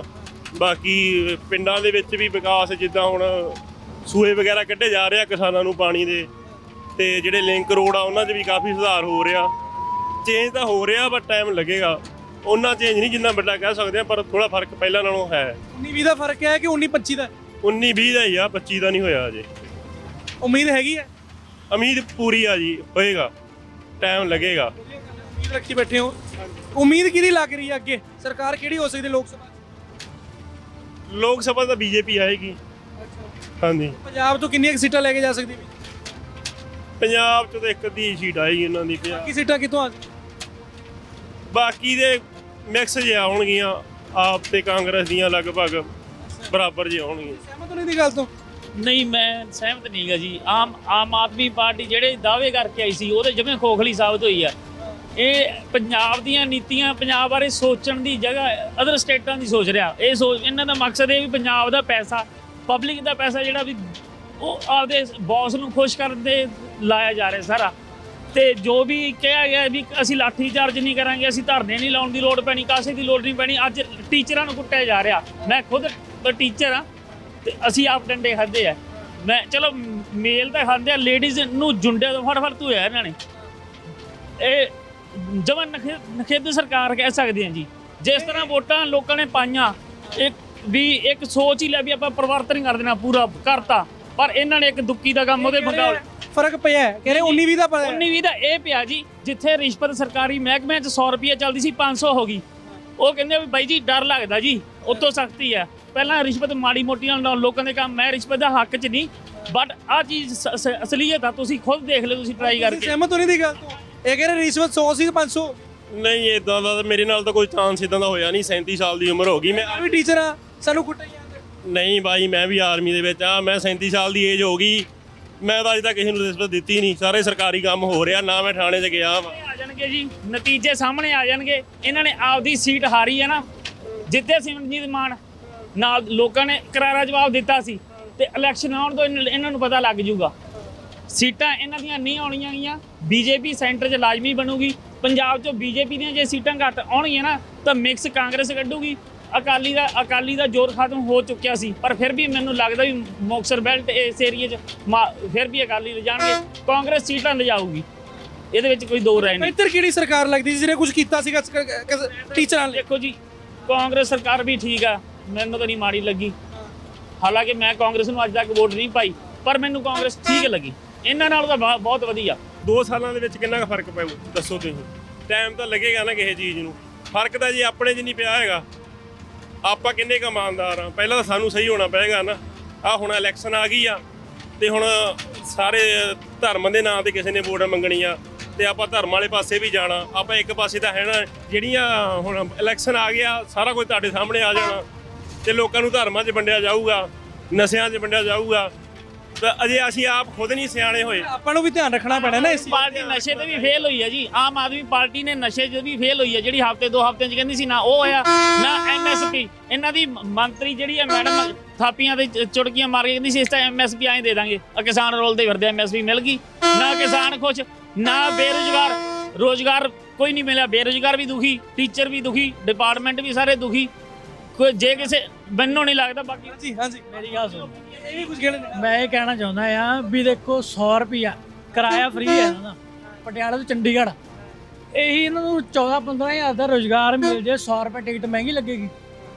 Speaker 3: ਬਾਕੀ ਪਿੰਡਾਂ ਦੇ ਵਿੱਚ ਵੀ ਵਿਕਾਸ, ਜਿੱਦਾਂ ਹੁਣ ਸੂਏ ਵਗੈਰਾ ਕੱਢੇ ਜਾ ਰਹੇ ਆ ਕਿਸਾਨਾਂ ਨੂੰ ਪਾਣੀ ਦੇ, ਤੇ ਜਿਹੜੇ ਲਿੰਕ ਰੋਡ ਆ ਉਹਨਾਂ 'ਚ ਵੀ ਕਾਫੀ ਸੁਧਾਰ ਹੋ ਰਿਹਾ। ਚੇਂਜ ਤਾਂ ਹੋ ਰਿਹਾ, ਬਟ ਟਾਈਮ ਲੱਗੇਗਾ। ਉਹਨਾਂ ਚੇਂਜ ਨਹੀਂ ਜਿੰਨਾ ਵੱਡਾ ਕਹਿ ਸਕਦੇ ਆ, ਪਰ ਥੋੜਾ ਫਰਕ ਪਹਿਲਾਂ ਨਾਲੋਂ ਹੈ।
Speaker 6: ਉੱਨੀ ਵੀਹ ਦਾ ਫਰਕ ਹੈ ਕਿ ਉੱਨੀ ਪੱਚੀ ਦਾ?
Speaker 3: ਉੱਨੀ ਵੀਹ ਦਾ ਹੀ ਆ, ਪੱਚੀ ਦਾ ਨਹੀਂ ਹੋਇਆ ਅਜੇ।
Speaker 6: ਉਮੀਦ ਹੈਗੀ ਹੈ?
Speaker 3: ਉਮੀਦ ਪੂਰੀ ਆ ਜੀ, ਹੋਏਗਾ, ਟਾਈਮ ਲੱਗੇਗਾ।
Speaker 6: ਉਮੀਦ ਰੱਖੀ ਬੈਠੇ ਹੋ? ਉਮੀਦ ਕਿਹਦੀ ਲੱਗ ਰਹੀ ਹੈ ਅੱਗੇ? ਸਰਕਾਰ ਕਿਹੜੀ ਹੋ ਸਕਦੀ ਲੋਕ ਸਭਾ?
Speaker 3: ਲੋਕ ਸਭਾ ਤਾਂ ਬੀਜੇਪੀ ਆਏਗੀ। ਹਾਂਜੀ।
Speaker 6: ਪੰਜਾਬ ਤੋਂ ਕਿੰਨੀਆਂ ਸੀਟਾਂ ਲੈ ਕੇ ਜਾ ਸਕਦੀ?
Speaker 3: ਪੰਜਾਬ 'ਚ ਤਾਂ ਇੱਕ ਅੱਧੀ ਸੀਟ ਆਏਗੀ ਇਹਨਾਂ ਦੀ।
Speaker 6: ਬਾਕੀ ਸੀਟਾਂ ਕਿੱਥੋਂ ਆ?
Speaker 3: ਬਾਕੀ ਦੇ ਮਿਕਸ ਜੇ ਆਉਣਗੀਆਂ, ਆਪ ਤੇ ਕਾਂਗਰਸ ਦੀਆਂ ਲਗਭਗ ਬਰਾਬਰ ਜੇ ਆਉਣਗੀਆਂ।
Speaker 6: ਸਹਿਮਤ ਨਹੀਂ ਦੀ ਗੱਲ ਤੋਂ?
Speaker 4: ਨਹੀਂ, ਮੈਂ ਸਹਿਮਤ ਨਹੀਂ ਗਾ ਜੀ। ਆਮ ਆਮ ਆਦਮੀ ਪਾਰਟੀ ਜਿਹੜੇ ਦਾਅਵੇ ਕਰਕੇ ਆਈ ਸੀ ਉਹਦੇ ਜਿਵੇਂ ਖੋਖਲੀ ਸਾਬਤ ਹੋਈ ਆ। ਇਹ ਪੰਜਾਬ ਦੀਆਂ ਨੀਤੀਆਂ, ਪੰਜਾਬ ਬਾਰੇ ਸੋਚਣ ਦੀ ਜਗ੍ਹਾ ਅਦਰ ਸਟੇਟਾਂ ਦੀ ਸੋਚ ਰਿਹਾ। ਇਹ ਸੋਚ, ਇਹਨਾਂ ਦਾ ਮਕਸਦ ਇਹ ਵੀ ਪੰਜਾਬ ਦਾ ਪੈਸਾ, ਪਬਲਿਕ ਦਾ ਪੈਸਾ ਜਿਹੜਾ ਵੀ ਉਹ ਆਪਦੇ ਬੌਸ ਨੂੰ ਖੁਸ਼ ਕਰਨ ਦੇ ਲਾਇਆ ਜਾ ਰਿਹਾ ਸਾਰਾ। ਤੇ ਜੋ ਵੀ ਕਿਹਾ ਗਿਆ ਵੀ ਅਸੀਂ ਲਾਠੀ ਚਾਰਜ ਨਹੀਂ ਕਰਾਂਗੇ, ਅਸੀਂ ਧਰਨੇ ਨਹੀਂ ਲਾਉਣ ਦੀ ਲੋੜ ਪੈਣੀ, ਕਾਸੇ ਦੀ ਲੋੜ ਨਹੀਂ ਪੈਣੀ। ਅੱਜ ਟੀਚਰਾਂ ਨੂੰ ਕੁੱਟਿਆ ਜਾ ਰਿਹਾ। ਮੈਂ ਖੁਦ ਟੀਚਰ ਹਾਂ ਤੇ ਅਸੀਂ ਆਪ ਡੰਡੇ ਖਾਧੇ ਆ। ਮੈਂ ਚਲੋ ਮੇਲ ਤਾਂ ਖਾਂਦੇ ਆ, ਲੇਡੀਜ਼ ਨੂੰ ਜੁੰਡੇ ਤੋਂ ਫੜ ਫੜ ਧੋਇਆ ਇਹਨਾਂ ਨੇ। ਇਹ ਜਮਾਂ ਨਖੇਦ ਸਰਕਾਰ ਕਹਿ ਸਕਦੇ ਹਾਂ ਜੀ। ਜਿਸ ਤਰ੍ਹਾਂ ਵੋਟਾਂ ਲੋਕਾਂ ਨੇ ਪਾਈਆਂ, ਇੱਕ ਵੀ ਇੱਕ ਸੋਚ ਹੀ ਲੈ ਵੀ ਆਪਾਂ ਪਰਿਵਰਤਨ ਕਰ ਦੇਣਾ, ਪੂਰਾ ਕਰਤਾ, ਪਰ ਇਹਨਾਂ ਨੇ ਇੱਕ ਦੁੱਕੀ ਦਾ ਕੰਮ ਉਹਦੇ ਬੰਦਾ
Speaker 6: ਫਰਕ ਪਿਆ ਹੈ, ਕਹਿੰਦੇ ਉੱਨੀ ਵੀਹ ਦਾ ਪਿਆ
Speaker 4: ਉੱਨੀ ਵੀਹ ਦਾ ਇਹ ਪਿਆ ਜੀ। ਜਿੱਥੇ ਰਿਸ਼ਵਤ ਸਰਕਾਰੀ ਮਹਿਕਮੇ 'ਚ ਸੌ ਰੁਪਏ ਚੱਲਦੀ ਸੀ ਪੰਜ ਸੌ ਹੋ ਗਈ। ਉਹ ਕਹਿੰਦੇ ਵੀ ਬਾਈ ਜੀ ਡਰ ਲੱਗਦਾ ਜੀ, ਉਤੋਂ ਸਖਤੀ ਹੈ। ਪਹਿਲਾਂ ਰਿਸ਼ਵਤ ਮਾੜੀ ਮੋਟੀਆਂ ਲੋਕਾਂ ਦੇ ਕੰਮ, ਮੈਂ ਰਿਸ਼ਵਤ ਦਾ ਹੱਕ 'ਚ ਨਹੀਂ, ਬਟ ਆਹ ਚੀਜ਼ ਸ- ਸ- ਅਸਲੀਅਤ ਆ। ਤੁਸੀਂ ਖੁਦ ਦੇਖ ਲਿਓ, ਤੁਸੀਂ ਟਰਾਈ ਕਰਕੇ।
Speaker 6: ਸਹਿਮਤ ਹੋ ਨਹੀਂ ਦੀ ਗੱਲ ਤੋਂ? ਇਹ ਕਹਿੰਦੇ ਰਿਸ਼ਵਤ ਸੌ ਸੀ ਪੰਜ ਸੌ।
Speaker 12: ਨਹੀਂ ਇਦਾਂ ਦਾ ਮੇਰੇ ਨਾਲ ਤਾਂ ਕੋਈ ਚਾਂਸ ਇਦਾਂ ਦਾ ਹੋਇਆ ਨਹੀਂ। ਸੈਂਤੀ ਸਾਲ ਦੀ ਉਮਰ ਹੋ ਗਈ। ਮੈਂ
Speaker 6: ਵੀ ਟੀਚਰ ਆ, ਸਾਨੂੰ ਕੁੱਟਿਆ ਜਾਂਦਾ।
Speaker 12: ਨਹੀਂ ਬਾਈ, ਮੈਂ ਵੀ ਆਰਮੀ ਦੇ ਵਿੱਚ ਆ। ਮੈਂ ਸੈਂਤੀ ਸਾਲ ਦੀ ਏਜ ਹੋ ਗਈ। ਮੈਂ ਤਾਂ ਅਜੇ ਤੱਕ ਕਿਸੇ ਨੂੰ ਰਿਸ਼ਵਤ ਦਿੱਤੀ ਨਹੀਂ। ਸਾਰੇ ਸਰਕਾਰੀ ਕੰਮ ਹੋ ਰਿਹਾ, ਨਾ ਮੈਂ ਥਾਣੇ 'ਚ ਗਿਆ ਵਾ।
Speaker 4: ਆ ਜਾਣਗੇ ਜੀ, ਨਤੀਜੇ ਸਾਹਮਣੇ ਆ ਜਾਣਗੇ। ਇਹਨਾਂ ਨੇ ਆਪਦੀ ਸੀਟ ਹਾਰੀ ਹੈ ਨਾ, ਜਿੱਤੇ ਸਿਮਰਨਜੀਤ ਮਾਨ ਨਾਲ ਲੋਕਾਂ ਨੇ ਕਰਾਰਾ ਜਵਾਬ ਦਿੱਤਾ ਸੀ, ਤੇ ਇਲੈਕਸ਼ਨ ਆਉਣ ਤੋਂ ਇਹਨਾਂ ਇਹਨਾਂ ਨੂੰ ਪਤਾ ਲੱਗ ਜੂਗਾ। ਸੀਟਾਂ ਇਹਨਾਂ ਦੀਆਂ ਨਹੀਂ ਆਉਣੀਆਂ ਗੀਆਂ। ਬੀਜੇਪੀ ਸੈਂਟਰ 'ਚ ਲਾਜ਼ਮੀ ਬਣੂਗੀ। ਪੰਜਾਬ 'ਚੋਂ ਬੀਜੇਪੀ ਦੀਆਂ ਜੇ ਸੀਟਾਂ ਘੱਟ ਆਉਣਗੀਆਂ ਨਾ, ਤਾਂ ਮਿਕਸ ਕਾਂਗਰਸ ਕੱਢੂਗੀ। ਅਕਾਲੀ ਦਾ ਅਕਾਲੀ ਦਾ ਜ਼ੋਰ ਖਤਮ ਹੋ ਚੁੱਕਿਆ ਸੀ, ਪਰ ਫਿਰ ਵੀ ਮੈਨੂੰ ਲੱਗਦਾ ਵੀ ਮੁਕਤਸਰ ਬੈਲਟ ਇਸ ਏਰੀਏ 'ਚ ਫਿਰ ਵੀ ਅਕਾਲੀ ਲਿਜਾਣਗੇ, ਕਾਂਗਰਸ ਸੀਟਾਂ ਲਿਜਾਊਗੀ। ਇਹਦੇ ਵਿੱਚ ਕੋਈ ਦੋ ਰਾਏ ਨਹੀਂ।
Speaker 6: ਇੱਧਰ ਕਿਹੜੀ ਸਰਕਾਰ ਲੱਗਦੀ ਸੀ ਜਿਹਨੇ ਕੁਝ ਕੀਤਾ ਸੀਗਾ ਟੀਚਰਾਂ ਲਈ?
Speaker 4: ਦੇਖੋ ਜੀ, ਕਾਂਗਰਸ ਸਰਕਾਰ ਵੀ ਠੀਕ ਆ, ਮੈਨੂੰ ਤਾਂ ਨਹੀਂ ਮਾੜੀ ਲੱਗੀ। ਹਾਲਾਂਕਿ ਮੈਂ ਕਾਂਗਰਸ ਨੂੰ ਅੱਜ ਤੱਕ ਵੋਟ ਨਹੀਂ ਪਾਈ, ਪਰ ਮੈਨੂੰ ਕਾਂਗਰਸ ਠੀਕ ਲੱਗੀ। ਇਹਨਾਂ ਨਾਲੋਂ ਤਾਂ ਬਹੁਤ- ਬਹੁਤ ਵਧੀਆ।
Speaker 12: ਦੋ ਸਾਲਾਂ ਦੇ ਵਿੱਚ ਕਿੰਨਾ ਕੁ ਫਰਕ ਪਊ ਦੱਸੋ ਤੁਸੀਂ? ਟਾਈਮ ਤਾਂ ਲੱਗੇਗਾ ਨਾ ਕਿਸੇ ਚੀਜ਼ ਨੂੰ। ਫਰਕ ਤਾਂ ਜੀ ਆਪਣੇ 'ਚ ਨਹੀਂ ਪਿਆ ਹੈਗਾ। ਆਪਾਂ ਕਿੰਨੇ ਕੁ ਇਮਾਨਦਾਰ ਆ? ਪਹਿਲਾਂ ਤਾਂ ਸਾਨੂੰ ਸਹੀ ਹੋਣਾ ਪਏਗਾ ਨਾ। ਆ ਹੁਣ ਇਲੈਕਸ਼ਨ ਆ ਗਈ ਆ, ਤੇ ਹੁਣ ਸਾਰੇ ਧਰਮ ਦੇ ਨਾਂ ਤੇ ਕਿਸੇ ਨੇ ਵੋਟ ਮੰਗਣੀ ਆ, ਤੇ ਆਪਾਂ ਧਰਮ ਵਾਲੇ ਪਾਸੇ ਵੀ ਜਾਣਾ। ਆਪਾਂ ਇੱਕ ਪਾਸੇ ਤਾਂ ਹੈ ਨਾ, ਜਿਹੜੀਆਂ ਹੁਣ ਇਲੈਕਸ਼ਨ ਆ ਗਿਆ, ਸਾਰਾ ਕੁਝ ਤੁਹਾਡੇ ਸਾਹਮਣੇ ਆ ਜਾਣਾ, ਤੇ ਲੋਕਾਂ ਨੂੰ ਧਰਮਾਂ 'ਚ ਵੰਡਿਆ ਜਾਊਗਾ, ਨਸ਼ਿਆਂ 'ਚ ਵੰਡਿਆ ਜਾਊਗਾ। ਤਾਂ ਅਜੇ ਅਸੀਂ ਆਪ ਖੁਦ ਨਹੀਂ ਸਿਆਣੇ ਹੋਏ।
Speaker 6: ਆਪਾਂ ਨੂੰ ਵੀ ਧਿਆਨ ਰੱਖਣਾ ਪੈਣਾ ਨਾ। ਇਸ
Speaker 4: ਪਾਰਟੀ ਨਸ਼ੇ ਤੇ ਵੀ ਫੇਲ ਹੋਈ ਹੈ ਜੀ। ਆਮ ਆਦਮੀ ਪਾਰਟੀ ਨੇ ਨਸ਼ੇ 'ਚ ਵੀ ਫੇਲ ਹੋਈ ਹੈ। ਜਿਹੜੀ ਹਫ਼ਤੇ ਦੋ ਹਫ਼ਤਿਆਂ 'ਚ ਕਹਿੰਦੀ ਸੀ, ਨਾ ਉਹ ਹੋਇਆ ਨਾ ਐਮ ਐਸ ਪੀ। ਇਹਨਾਂ ਦੀ ਮੰਤਰੀ ਜਿਹੜੀ ਹੈ ਮੈਡਮ, ਥਾਪੀਆਂ ਤੇ ਚੁਟਕੀਆਂ ਮਾਰ ਕੇ ਕਹਿੰਦੀ ਸੀ ਇਸ ਤਾਂ ਐਮ ਐਸ ਪੀ ਐਂ ਦੇ ਦਾਂਗੇ। ਕਿਸਾਨ ਰੋਲਦੇ ਫਿਰਦੇ, ਐਮ ਐਸ ਪੀ ਮਿਲ ਗਈ ਨਾ, ਕਿਸਾਨ ਖੁਸ਼ ਨਾ, ਬੇਰੁਜ਼ਗਾਰ ਰੋਜ਼ਗਾਰ ਕੋਈ ਨਹੀਂ ਮਿਲਿਆ। ਬੇਰੁਜ਼ਗਾਰ ਵੀ ਦੁਖੀ, ਟੀਚਰ ਵੀ ਦੁਖੀ, ਡਿਪਾਰਟਮੈਂਟ ਵੀ ਸਾਰੇ ਦੁਖੀ। ਕੋਈ ਜੇ ਕਿਸੇ ਮੈਨੂੰ ਨਹੀਂ ਲੱਗਦਾ। ਬਾਕੀ
Speaker 6: ਜੀ ਹਾਂਜੀ,
Speaker 4: ਮੇਰੀ ਗੱਲ ਸੁਣੋ,
Speaker 6: ਇਹ ਵੀ ਕੁਝ ਕਹਿਣਾ।
Speaker 4: ਮੈਂ ਇਹ ਕਹਿਣਾ ਚਾਹੁੰਦਾ ਆ ਵੀ ਦੇਖੋ, ਸੌ ਰੁਪਿਆ ਕਿਰਾਇਆ ਫ੍ਰੀ ਹੈ ਇਹਨਾਂ ਦਾ ਪਟਿਆਲਾ ਤੋਂ ਚੰਡੀਗੜ੍ਹ। ਇਹੀ ਇਹਨਾਂ ਨੂੰ ਚੌਦਾਂ ਪੰਦਰਾਂ ਹਜ਼ਾਰ ਦਾ ਰੋਜ਼ਗਾਰ ਮਿਲ ਜੇ, ਸੌ ਰੁਪਏ ਟਿਕਟ ਮਹਿੰਗੀ ਲੱਗੇਗੀ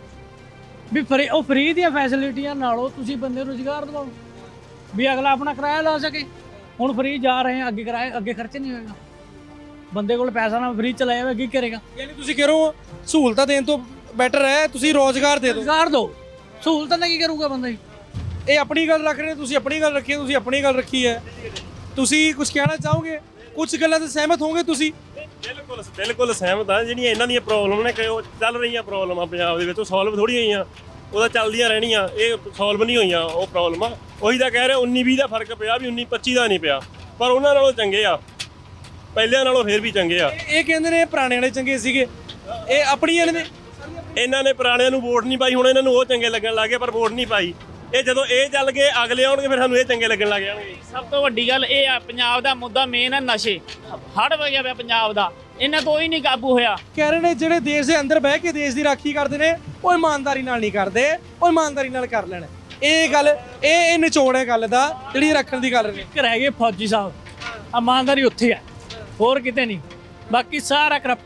Speaker 4: ਵੀ। ਫਰੀ ਉਹ ਫ੍ਰੀ ਦੀਆਂ ਫੈਸਿਲਿਟੀਆਂ ਨਾਲੋਂ ਤੁਸੀਂ ਬੰਦੇ ਨੂੰ ਰੋਜ਼ਗਾਰ ਦਿਵਾਓ ਵੀ ਅਗਲਾ ਆਪਣਾ ਕਿਰਾਇਆ ਲਾ ਸਕੇ। ਹੁਣ ਫ੍ਰੀ ਜਾ ਰਹੇ ਆ, ਅੱਗੇ ਕਿਰਾਇਆ ਅੱਗੇ ਖਰਚ ਨਹੀਂ ਹੋਏਗਾ। ਬੰਦੇ ਕੋਲ ਪੈਸਾ ਨਾ ਫ੍ਰੀ ਚਲਾਇਆ ਹੋਇਆ, ਅੱਗੇ ਕਰੇਗਾ।
Speaker 6: ਯਾਨੀ ਤੁਸੀਂ ਕਹਿ ਰਹੇ ਹੋ ਸਹੂਲਤਾਂ ਦੇਣ ਤੋਂ ਬੈਟਰ ਹੈ ਤੁਸੀਂ ਰੋਜ਼ਗਾਰ ਦੇ ਦਿਓ।
Speaker 4: ਰੋਜ਼ਗਾਰ ਦਿਓ, ਸਹੂਲਤਾਂ ਨਾਲ ਕੀ ਕਰੂਗਾ ਬੰਦਾ ਜੀ?
Speaker 6: ਇਹ ਆਪਣੀ ਗੱਲ ਰੱਖ ਰਹੇ, ਤੁਸੀਂ ਆਪਣੀ ਗੱਲ ਰੱਖੀ ਹੈ, ਤੁਸੀਂ ਆਪਣੀ ਗੱਲ ਰੱਖੀ ਹੈ। ਤੁਸੀਂ ਕੁਝ ਕਹਿਣਾ ਚਾਹੋਗੇ? ਕੁਝ ਗੱਲਾਂ ਤੇ ਸਹਿਮਤ ਹੋਗੇ ਤੁਸੀਂ?
Speaker 12: ਬਿਲਕੁਲ ਬਿਲਕੁਲ ਸਹਿਮਤ ਆ। ਜਿਹੜੀਆਂ ਇਹਨਾਂ ਦੀਆਂ ਪ੍ਰੋਬਲਮ ਨੇ, ਕਿ ਉਹ ਚੱਲ ਰਹੀਆਂ ਪ੍ਰੋਬਲਮਾਂ ਪੰਜਾਬ ਦੇ ਵਿੱਚ, ਉਹ ਸੋਲਵ ਥੋੜੀ ਹੋਈਆਂ। ਉਹਦਾ ਚੱਲਦੀਆਂ ਰਹਿਣੀਆਂ, ਇਹ ਸੋਲਵ ਨਹੀਂ ਹੋਈਆਂ ਉਹ ਪ੍ਰੋਬਲਮਾਂ। ਉਹੀ ਤਾਂ ਕਹਿ ਰਹੇ ਉੱਨੀ ਵੀਹ ਦਾ ਫਰਕ ਪਿਆ, ਵੀ ਉੱਨੀ ਪੱਚੀ ਦਾ ਨਹੀਂ ਪਿਆ, ਪਰ ਉਹਨਾਂ ਨਾਲੋਂ ਚੰਗੇ ਆ, ਪਹਿਲਿਆਂ ਨਾਲੋਂ ਫਿਰ ਵੀ ਚੰਗੇ ਆ।
Speaker 6: ਇਹ ਕਹਿੰਦੇ ਨੇ ਪੁਰਾਣੇ ਵਾਲੇ ਚੰਗੇ ਸੀਗੇ, ਇਹ ਆਪਣੀਆਂ ਨੇ।
Speaker 12: ਇਹਨਾਂ ਨੇ ਪੁਰਾਣਿਆਂ ਨੂੰ ਵੋਟ ਨਹੀਂ ਪਾਈ, ਹੁਣ ਇਹਨਾਂ ਨੂੰ ਉਹ ਚੰਗੇ ਲੱਗਣ ਲੱਗ ਗਏ, ਪਰ ਵੋਟ ਨਹੀਂ ਪਾਈ। ਇਹ ਜਦੋਂ ਇਹ ਚੱਲ ਗਏ, ਅਗਲੇ ਆਉਣਗੇ, ਫਿਰ ਸਾਨੂੰ ਇਹ ਚੰਗੇ ਲੱਗਣ ਲੱਗ ਜਾਣਗੇ।
Speaker 4: ਸਭ ਤੋਂ ਵੱਡੀ ਗੱਲ ਇਹ ਆ, ਪੰਜਾਬ ਦਾ ਮੁੱਦਾ ਮੇਨ ਹੈ ਨਸ਼ੇ। ਹੜ ਵਗਿਆ ਪਿਆ ਪੰਜਾਬ ਦਾ, ਇਹਨਾਂ ਤੋਂ ਹੀ ਨਹੀਂ ਕਾਬੂ ਹੋਇਆ।
Speaker 6: ਕਹਿ ਰਹੇ ਨੇ ਜਿਹੜੇ ਦੇਸ਼ ਦੇ ਅੰਦਰ ਬਹਿ ਕੇ ਦੇਸ਼ ਦੀ ਰਾਖੀ ਕਰਦੇ ਨੇ, ਉਹ ਇਮਾਨਦਾਰੀ ਨਾਲ ਨਹੀਂ ਕਰਦੇ, ਉਹ ਇਮਾਨਦਾਰੀ ਨਾਲ ਕਰ ਲੈਣ। ਇਹ ਗੱਲ, ਇਹ ਇਹ ਨਿਚੋੜ ਹੈ ਗੱਲ ਦਾ, ਜਿਹੜੀ ਰੱਖਣ ਦੀ ਗੱਲ ਨੇ।
Speaker 4: ਇੱਕ ਰਹਿ ਗਏ ਫੌਜੀ ਸਾਹਿਬ, ਇਮਾਨਦਾਰੀ ਉੱਥੇ ਹੈ, ਹੋਰ ਕਿਤੇ ਨਹੀਂ। ਬਾਕੀ ਸਾਰਾ ਕਰਪਟ।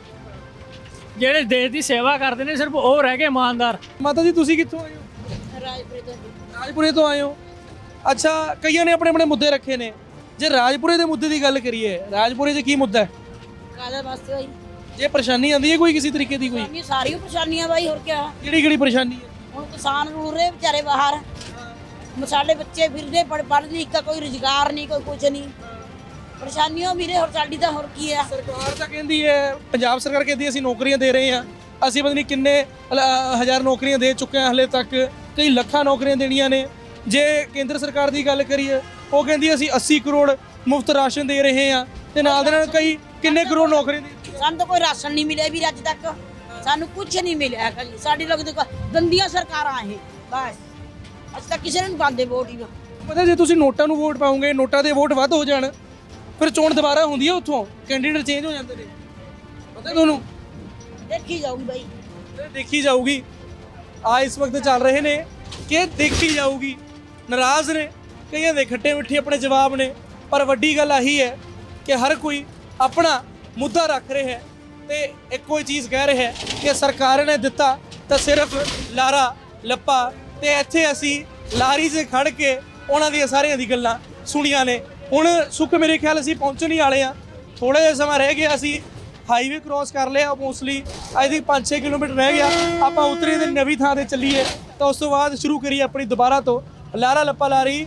Speaker 4: ਜਿਹੜੇ ਦੇਸ਼ ਦੀ ਸੇਵਾ ਕਰਦੇ ਨੇ, ਸਿਰਫ ਉਹ ਰਹਿ ਗਏ ਇਮਾਨਦਾਰ।
Speaker 6: ਮਾਤਾ ਜੀ ਤੁਸੀਂ ਕਿੱਥੋਂ ਆਏ ਹੋ?
Speaker 5: ਰਾਜਪੁਰੇ ਤੋਂ।
Speaker 6: ਰਾਜਪੁਰੇ ਤੋਂ ਆਏ ਹੋ? ਅੱਛਾ, ਕਈਆਂ ਨੇ ਆਪਣੇ ਆਪਣੇ ਮੁੱਦੇ ਰੱਖੇ ਨੇ। ਜੇ ਰਾਜਪੁਰੇ ਦੇ ਮੁੱਦੇ ਦੀ ਗੱਲ ਕਰੀਏ, ਰਾਜਪੁਰੇ 'ਚ ਕੀ ਮੁੱਦਾ ਹੈ?
Speaker 5: ਕਾਹਦੇ ਵਾਸਤੇ ਹੋਈ?
Speaker 6: ਜੇ ਪਰੇਸ਼ਾਨੀ ਆਉਂਦੀ ਹੈ ਕੋਈ ਕਿਸੇ ਤਰੀਕੇ ਦੀ, ਕੋਈ
Speaker 5: ਨਹੀਂ, ਸਾਰੀਆਂ ਪਰੇਸ਼ਾਨੀਆਂ ਬਾਈ, ਹੋਰ ਕਿਆ।
Speaker 6: ਕਿਹੜੀ ਕਿਹੜੀ ਪਰੇਸ਼ਾਨੀ ਹੈ?
Speaker 5: ਹੁਣ ਕਿਸਾਨ ਰੁਲ ਰਹੇ ਵਿਚਾਰੇ ਬਾਹਰ, ਸਾਡੇ ਬੱਚੇ ਫਿਰਦੇ ਪੜ ਪੜ੍ਹ ਲਿਖ ਕੇ, ਕੋਈ ਰੁਜ਼ਗਾਰ ਨਹੀਂ, ਕੋਈ ਕੁਝ ਨਹੀਂ। ਪਰੇਸ਼ਾਨੀਆਂ ਵੀਰੇ, ਹੋਰ ਸਾਡੀ ਤਾਂ ਹੋਰ ਕੀ ਆ।
Speaker 6: ਸਰਕਾਰ ਤਾਂ ਕਹਿੰਦੀ ਹੈ, ਪੰਜਾਬ ਸਰਕਾਰ ਕਹਿੰਦੀ ਅਸੀਂ ਨੌਕਰੀਆਂ ਦੇ ਰਹੇ ਹਾਂ, ਅਸੀਂ ਪਤਾ ਨਹੀਂ ਕਿੰਨੇ ਅ, ਹਜ਼ਾਰ ਨੌਕਰੀਆਂ ਦੇ ਚੁੱਕੇ ਹਾਂ ਹਲੇ ਤੱਕ, ਕਈ ਲੱਖਾਂ ਨੌਕਰੀਆਂ ਦੇਣੀਆਂ ਨੇ। ਜੇ ਕੇਂਦਰ ਸਰਕਾਰ ਦੀ ਗੱਲ ਕਰੀਏ, ਉਹ ਕਹਿੰਦੀ ਅਸੀਂ ਅੱਸੀ ਕਰੋੜ ਮੁਫਤ ਰਾਸ਼ਨ ਦੇ ਰਹੇ ਹਾਂ, ਤੇ ਨਾਲ ਦੇ ਨਾਲ ਕਈ ਕਿੰਨੇ ਕਰੋੜ ਨੌਕਰੀਆਂ ਦੇ।
Speaker 5: ਸਾਨੂੰ ਤਾਂ ਕੋਈ ਰਾਸ਼ਨ ਨਹੀਂ ਮਿਲਿਆ ਵੀ ਅੱਜ ਤੱਕ, ਸਾਨੂੰ ਕੁਝ ਨਹੀਂ ਮਿਲਿਆ। ਖਾਲੀ ਸਾਡੀ ਲੋਕ ਦੇਖੋ ਗੰਦੀਆਂ ਸਰਕਾਰਾਂ ਇਹ, ਬਸ ਅਸੀਂ ਤਾਂ ਕਿਸੇ ਨੂੰ ਨਹੀਂ ਪਾਉਂਦੇ ਵੋਟ ਹੀ।
Speaker 6: ਪਤਾ ਜੇ ਤੁਸੀਂ ਨੋਟਾਂ ਨੂੰ ਵੋਟ ਪਾਉਂਗੇ, ਨੋਟਾਂ ਦੇ ਵੋਟ ਵੱਧ ਹੋ ਜਾਣ, ਫਿਰ ਚੋਣ ਦੁਬਾਰਾ ਹੁੰਦੀ ਹੈ, ਉੱਥੋਂ ਕੈਂਡੀਡੇਟ ਚੇਂਜ ਹੋ ਜਾਂਦੇ ਨੇ। ਪਤਾ ਤੁਹਾਨੂੰ?
Speaker 5: ਦੇਖੀ ਜਾਊਗੀ ਬਾਈ,
Speaker 6: ਦੇਖੀ ਜਾਊਗੀ। ਆ ਇਸ ਵਕਤ ਚੱਲ ਰਹੇ ਨੇ ਕਿ ਦੇਖੀ ਜਾਊਗੀ। ਨਾਰਾਜ਼ ਨੇ, ਕਈਆਂ ਦੇ ਖੱਟੇ ਮਿੱਠੇ ਆਪਣੇ ਜਵਾਬ ਨੇ, ਪਰ ਵੱਡੀ ਗੱਲ ਆਹੀ ਹੈ ਕਿ ਹਰ ਕੋਈ ਆਪਣਾ ਮੁੱਦਾ ਰੱਖ ਰਿਹਾ ਹੈ ਤੇ ਇੱਕੋ ਹੀ ਚੀਜ਼ ਕਹਿ ਰਿਹਾ ਹੈ ਕਿ ਸਰਕਾਰ ਨੇ ਦਿੱਤਾ ਤਾਂ ਸਿਰਫ ਲਾਰਾ ਲੱਪਾ। ਤੇ ਇੱਥੇ ਅਸੀਂ ਲਾਰੀ 'ਚ ਖੜ ਕੇ ਉਹਨਾਂ ਦੀਆਂ ਸਾਰੀਆਂ ਦੀ ਗੱਲਾਂ ਸੁਣੀਆਂ ਨੇ। ਹੁਣ ਸੁੱਖ ਮੇਰੇ ਖਿਆਲ ਅਸੀਂ ਪਹੁੰਚਣ ਹੀ ਵਾਲੇ ਆ, ਥੋੜਾ ਜਿਹਾ ਸਮਾਂ ਰਹਿ ਗਿਆ, ਅਸੀਂ ਹਾਈਵੇ ਕ੍ਰੋਸ ਕਰ ਲਿਆ ਮੋਸਟਲੀ, ਆਈ ਥਿੰਕ ਪੰਜ ਛੇ ਕਿਲੋਮੀਟਰ ਰਹਿ ਗਿਆ, ਆਪਾਂ ਉਤਰੇ ਤੇ ਨਵੀਂ ਥਾਂ ਤੇ ਚੱਲੀਏ ਤਾਂ ਉਸ ਤੋਂ ਬਾਅਦ ਸ਼ੁਰੂ ਕਰੀਏ ਆਪਣੀ ਦੁਬਾਰਾ ਤੋਂ ਲਾਰਾ ਲੱਪਾ ਲਾਰੀ।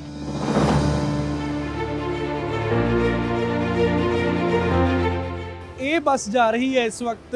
Speaker 6: ਇਹ ਬੱਸ ਜਾ ਰਹੀ ਹੈ ਇਸ ਵਕਤ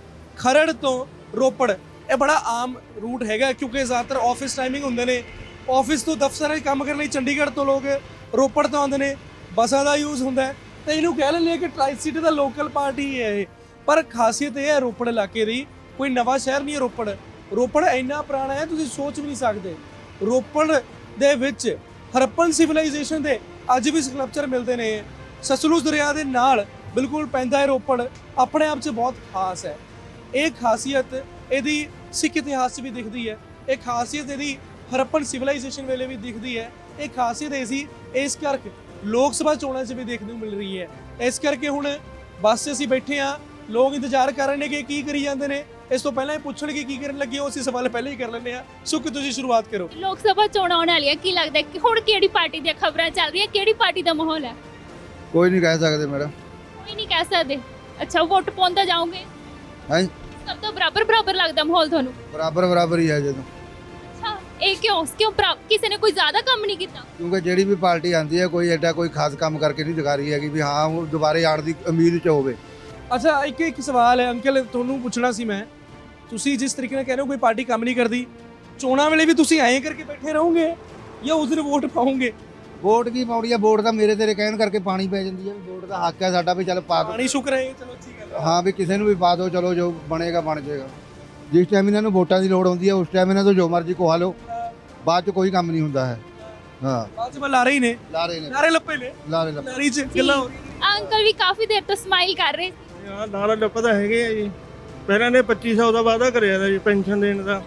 Speaker 6: ਖਰੜ ਤੋਂ ਰੋਪੜ। ਇਹ ਬੜਾ ਆਮ ਰੂਟ ਹੈਗਾ ਕਿਉਂਕਿ ਜ਼ਿਆਦਾਤਰ ਆਫਿਸ ਟਾਈਮਿੰਗ ਹੁੰਦੇ ਨੇ, ਆਫਿਸ ਤੋਂ ਦਫ਼ਤਰਾਂ 'ਚ ਕੰਮ ਕਰਨ ਲਈ ਚੰਡੀਗੜ੍ਹ ਤੋਂ ਲੋਕ ਰੋਪੜ ਤੋਂ ਆਉਂਦੇ ਨੇ, ਬੱਸਾਂ ਦਾ ਯੂਜ਼ ਹੁੰਦਾ ਹੈ ਤੇ ਇਹਨੂੰ ਕਹਿ ਲੈਂਦੇ ਕਿ ਟਰਾਈ ਸਿਟੀ ਦਾ ਲੋਕਲ ਪਾਰਟੀ ਹੈ ਇਹ। ਪਰ ਖਾਸੀਅਤ ਇਹ ਹੈ ਰੋਪੜ ਇਲਾਕੇ ਦੀ, ਕੋਈ ਨਵਾਂ ਸ਼ਹਿਰ ਨਹੀਂ ਹੈ ਰੋਪੜ। ਰੋਪੜ ਇੰਨਾ ਪੁਰਾਣਾ ਹੈ ਤੁਸੀਂ ਸੋਚ ਵੀ ਨਹੀਂ ਸਕਦੇ। ਰੋਪੜ ਦੇ ਵਿੱਚ ਹਰਪਨ ਸਿਵਲਾਈਜੇਸ਼ਨ ਦੇ ਅੱਜ ਵੀ ਸਕਲਪਚਰ ਮਿਲਦੇ ਨੇ। ਸਤਲੁਜ ਦਰਿਆ ਦੇ ਨਾਲ ਬਿਲਕੁਲ ਪੈਂਦਾ ਹੈ ਰੋਪੜ, ਆਪਣੇ ਆਪ 'ਚ ਬਹੁਤ ਖਾਸ ਹੈ। ਇਹ ਖਾਸੀਅਤ ਇਹਦੀ ਸਿੱਖ ਇਤਿਹਾਸ 'ਚ ਵੀ ਦਿਖਦੀ ਹੈ, ਇਹ ਖਾਸੀਅਤ ਇਹਦੀ ਹਰਪਨ ਸਿਵਲਾਈਜੇਸ਼ਨ ਵੇਲੇ ਵੀ ਦਿਖਦੀ ਹੈ, ਇਹ ਖਾਸੀਅਤ ਐਸੀ ਇਸ ਕਰਕੇ ਲੋਕ ਸਭਾ ਚੋਣਾਂ 'ਚ ਵੀ ਦੇਖਣ ਨੂੰ ਮਿਲ ਰਹੀ ਹੈ। ਇਸ ਕਰਕੇ ਹੁਣ ਬੱਸ 'ਚ ਅਸੀਂ ਬੈਠੇ ਹਾਂ, ਲੋਕ ਇੰਤਜ਼ਾਰ ਕਰ ਰਹੇ ਨੇ ਕਿ ਕੀ ਕਰੀ ਜਾਂਦੇ ਨੇ। ਇਸ ਤੋਂ ਪਹਿਲਾਂ ਇਹ ਪੁੱਛਣਗੇ ਕੀ ਕਰਨ ਲੱਗੇ ਹੋ, ਅਸੀਂ ਸਵਾਲ ਪਹਿਲਾਂ ਹੀ ਕਰ ਲੈਂਦੇ ਹਾਂ। ਸੁੱਖ ਤੁਸੀਂ ਸ਼ੁਰੂਆਤ ਕਰੋ।
Speaker 7: ਲੋਕ ਸਭਾ ਚੋਣਾਂ ਆਉਣ ਵਾਲੀਆਂ, ਕੀ ਲੱਗਦਾ ਕਿ ਹੁਣ ਕਿਹੜੀ ਪਾਰਟੀ ਦੀਆਂ ਖਬਰਾਂ ਚੱਲ ਰਹੀਆਂ, ਕਿਹੜੀ ਪਾਰਟੀ ਦਾ ਮਾਹੌਲ ਹੈ?
Speaker 11: ਕੋਈ ਨਹੀਂ ਕਹਿ ਸਕਦੇ ਮੈਡਮ।
Speaker 7: ਕੋਈ ਨਹੀਂ ਕਹਿ ਸਕਦੇ। ਅੱਛਾ, ਵੋਟ ਪਾਉਂਦਾ ਜਾਓਗੇ?
Speaker 11: ਹਾਂ,
Speaker 7: ਸਭ ਤੋਂ ਬਰਾਬਰ ਬਰਾਬਰ ਲੱਗਦਾ ਮਾਹੌਲ ਤੁਹਾਨੂੰ?
Speaker 11: ਬਰਾਬਰ ਬਰਾਬਰ ਹੀ ਹੈ ਜਦੋਂ।
Speaker 7: ਅੱਛਾ, ਇਹ ਕਿਉਂ ਕਿਉਂ ਬਰਾ- ਕਿਸੇ ਨੇ ਕੋਈ ਜ਼ਿਆਦਾ ਕੰਮ ਨਹੀਂ ਕੀਤਾ?
Speaker 11: ਕਿਉਂਕਿ ਜਿਹੜੀ ਵੀ ਪਾਰਟੀ ਆਉਂਦੀ ਹੈ ਕੋਈ ਐਡਾ ਕੋਈ ਖਾਸ ਕੰਮ ਕਰਕੇ ਨਹੀਂ ਦਿਖਾ ਰਹੀ ਹੈਗੀ ਵੀ ਹਾਂ ਉਹ ਦੁਬਾਰੇ ਆਉਣ ਦੀ ਉਮੀਦ 'ਚ ਹੋਵੇ।
Speaker 6: ਅੱਛਾ, ਇੱਕ ਇੱਕ ਸਵਾਲ ਹੈ ਅੰਕਲ, ਤੁਹਾਨੂੰ ਪੁੱਛਣਾ ਸੀ ਮੈਂ, ਤੁਸੀਂ ਜਿਸ ਤਰੀਕੇ ਨਾਲ ਕਹਿ ਰਹੇ ਹੋ ਕੋਈ ਪਾਰਟੀ ਕੰਮ ਨਹੀਂ ਕਰਦੀ, ਚੋਣਾਂ ਵੇਲੇ ਵੀ ਤੁਸੀਂ ਐਂ ਕਰਕੇ ਬੈਠੇ ਰਹੋਗੇ ਜਾਂ ਉਸ ਦਿਨ ਵੋਟ ਪਾਓਗੇ?
Speaker 11: ਵੋਟ ਕੀ ਪਾਉਣੀ ਹੈ, ਵੋਟ ਤਾਂ ਮੇਰੇ ਤੇਰੇ ਕਹਿਣ ਕਰਕੇ ਪਾਣੀ ਪੈ ਜਾਂਦੀ ਹੈ। ਵੋਟ ਦਾ ਹੱਕ ਹੈ ਸਾਡਾ ਵੀ ਚੱਲ ਪਾ ਦੋ,
Speaker 6: ਪਾਣੀ ਸ਼ੁਕਰ ਹੈ, ਚਲੋ ਅੱਛੀ ਗੱਲ ਹੈ।
Speaker 11: ਹਾਂ ਵੀ ਕਿਸੇ ਨੂੰ ਵੀ ਪਾ ਦਿਓ, ਚਲੋ ਜੋ ਬਣੇਗਾ ਬਣ ਜਾਏਗਾ। ਜਿਸ ਟਾਈਮ ਇਹਨਾਂ ਨੂੰ ਵੋਟਾਂ ਦੀ ਲੋੜ ਹੁੰਦੀ ਹੈ ਉਸ ਟਾਈਮ ਇਹਨਾਂ ਤੋਂ ਜੋ ਮਰਜ਼ੀ ਕੋਹਾ ਲਓ, ਬਾਅਦ 'ਚ ਕੋਈ ਕੰਮ ਨਹੀਂ ਹੁੰਦਾ ਹੈ। ਹਾਂ,
Speaker 6: ਬਾਅਦ 'ਚ ਲਾਰੇ ਹੀ ਨੇ,
Speaker 11: ਲਾਰੇ ਨੇ,
Speaker 6: ਲਾਰੇ ਲੱਪੇ ਨੇ,
Speaker 11: ਲਾਰੇ ਲੱਪੇ।
Speaker 6: ਲਾਰੀ 'ਚ ਗੱਲਾਂ ਹੋ ਰਹੀਆਂ।
Speaker 7: ਅੰਕਲ ਵੀ ਕਾਫੀ ਦੇਰ ਤੋਂ ਸਮਾਈਲ ਕਰ ਰਹੇ ਸੀ।
Speaker 12: ਹਾਂ, ਲਾਰਾ ਲੱਪਾ ਤਾਂ ਹੈਗੇ ਆ ਜੀ। ਪਹਿਲਾਂ ਨੇ ਪੱਚੀ ਸੌ ਦਾ ਵਾਅਦਾ ਕਰਿਆ ਦਾ ਜੀ ਪੈਨਸ਼ਨ ਦੇਣ ਦਾ,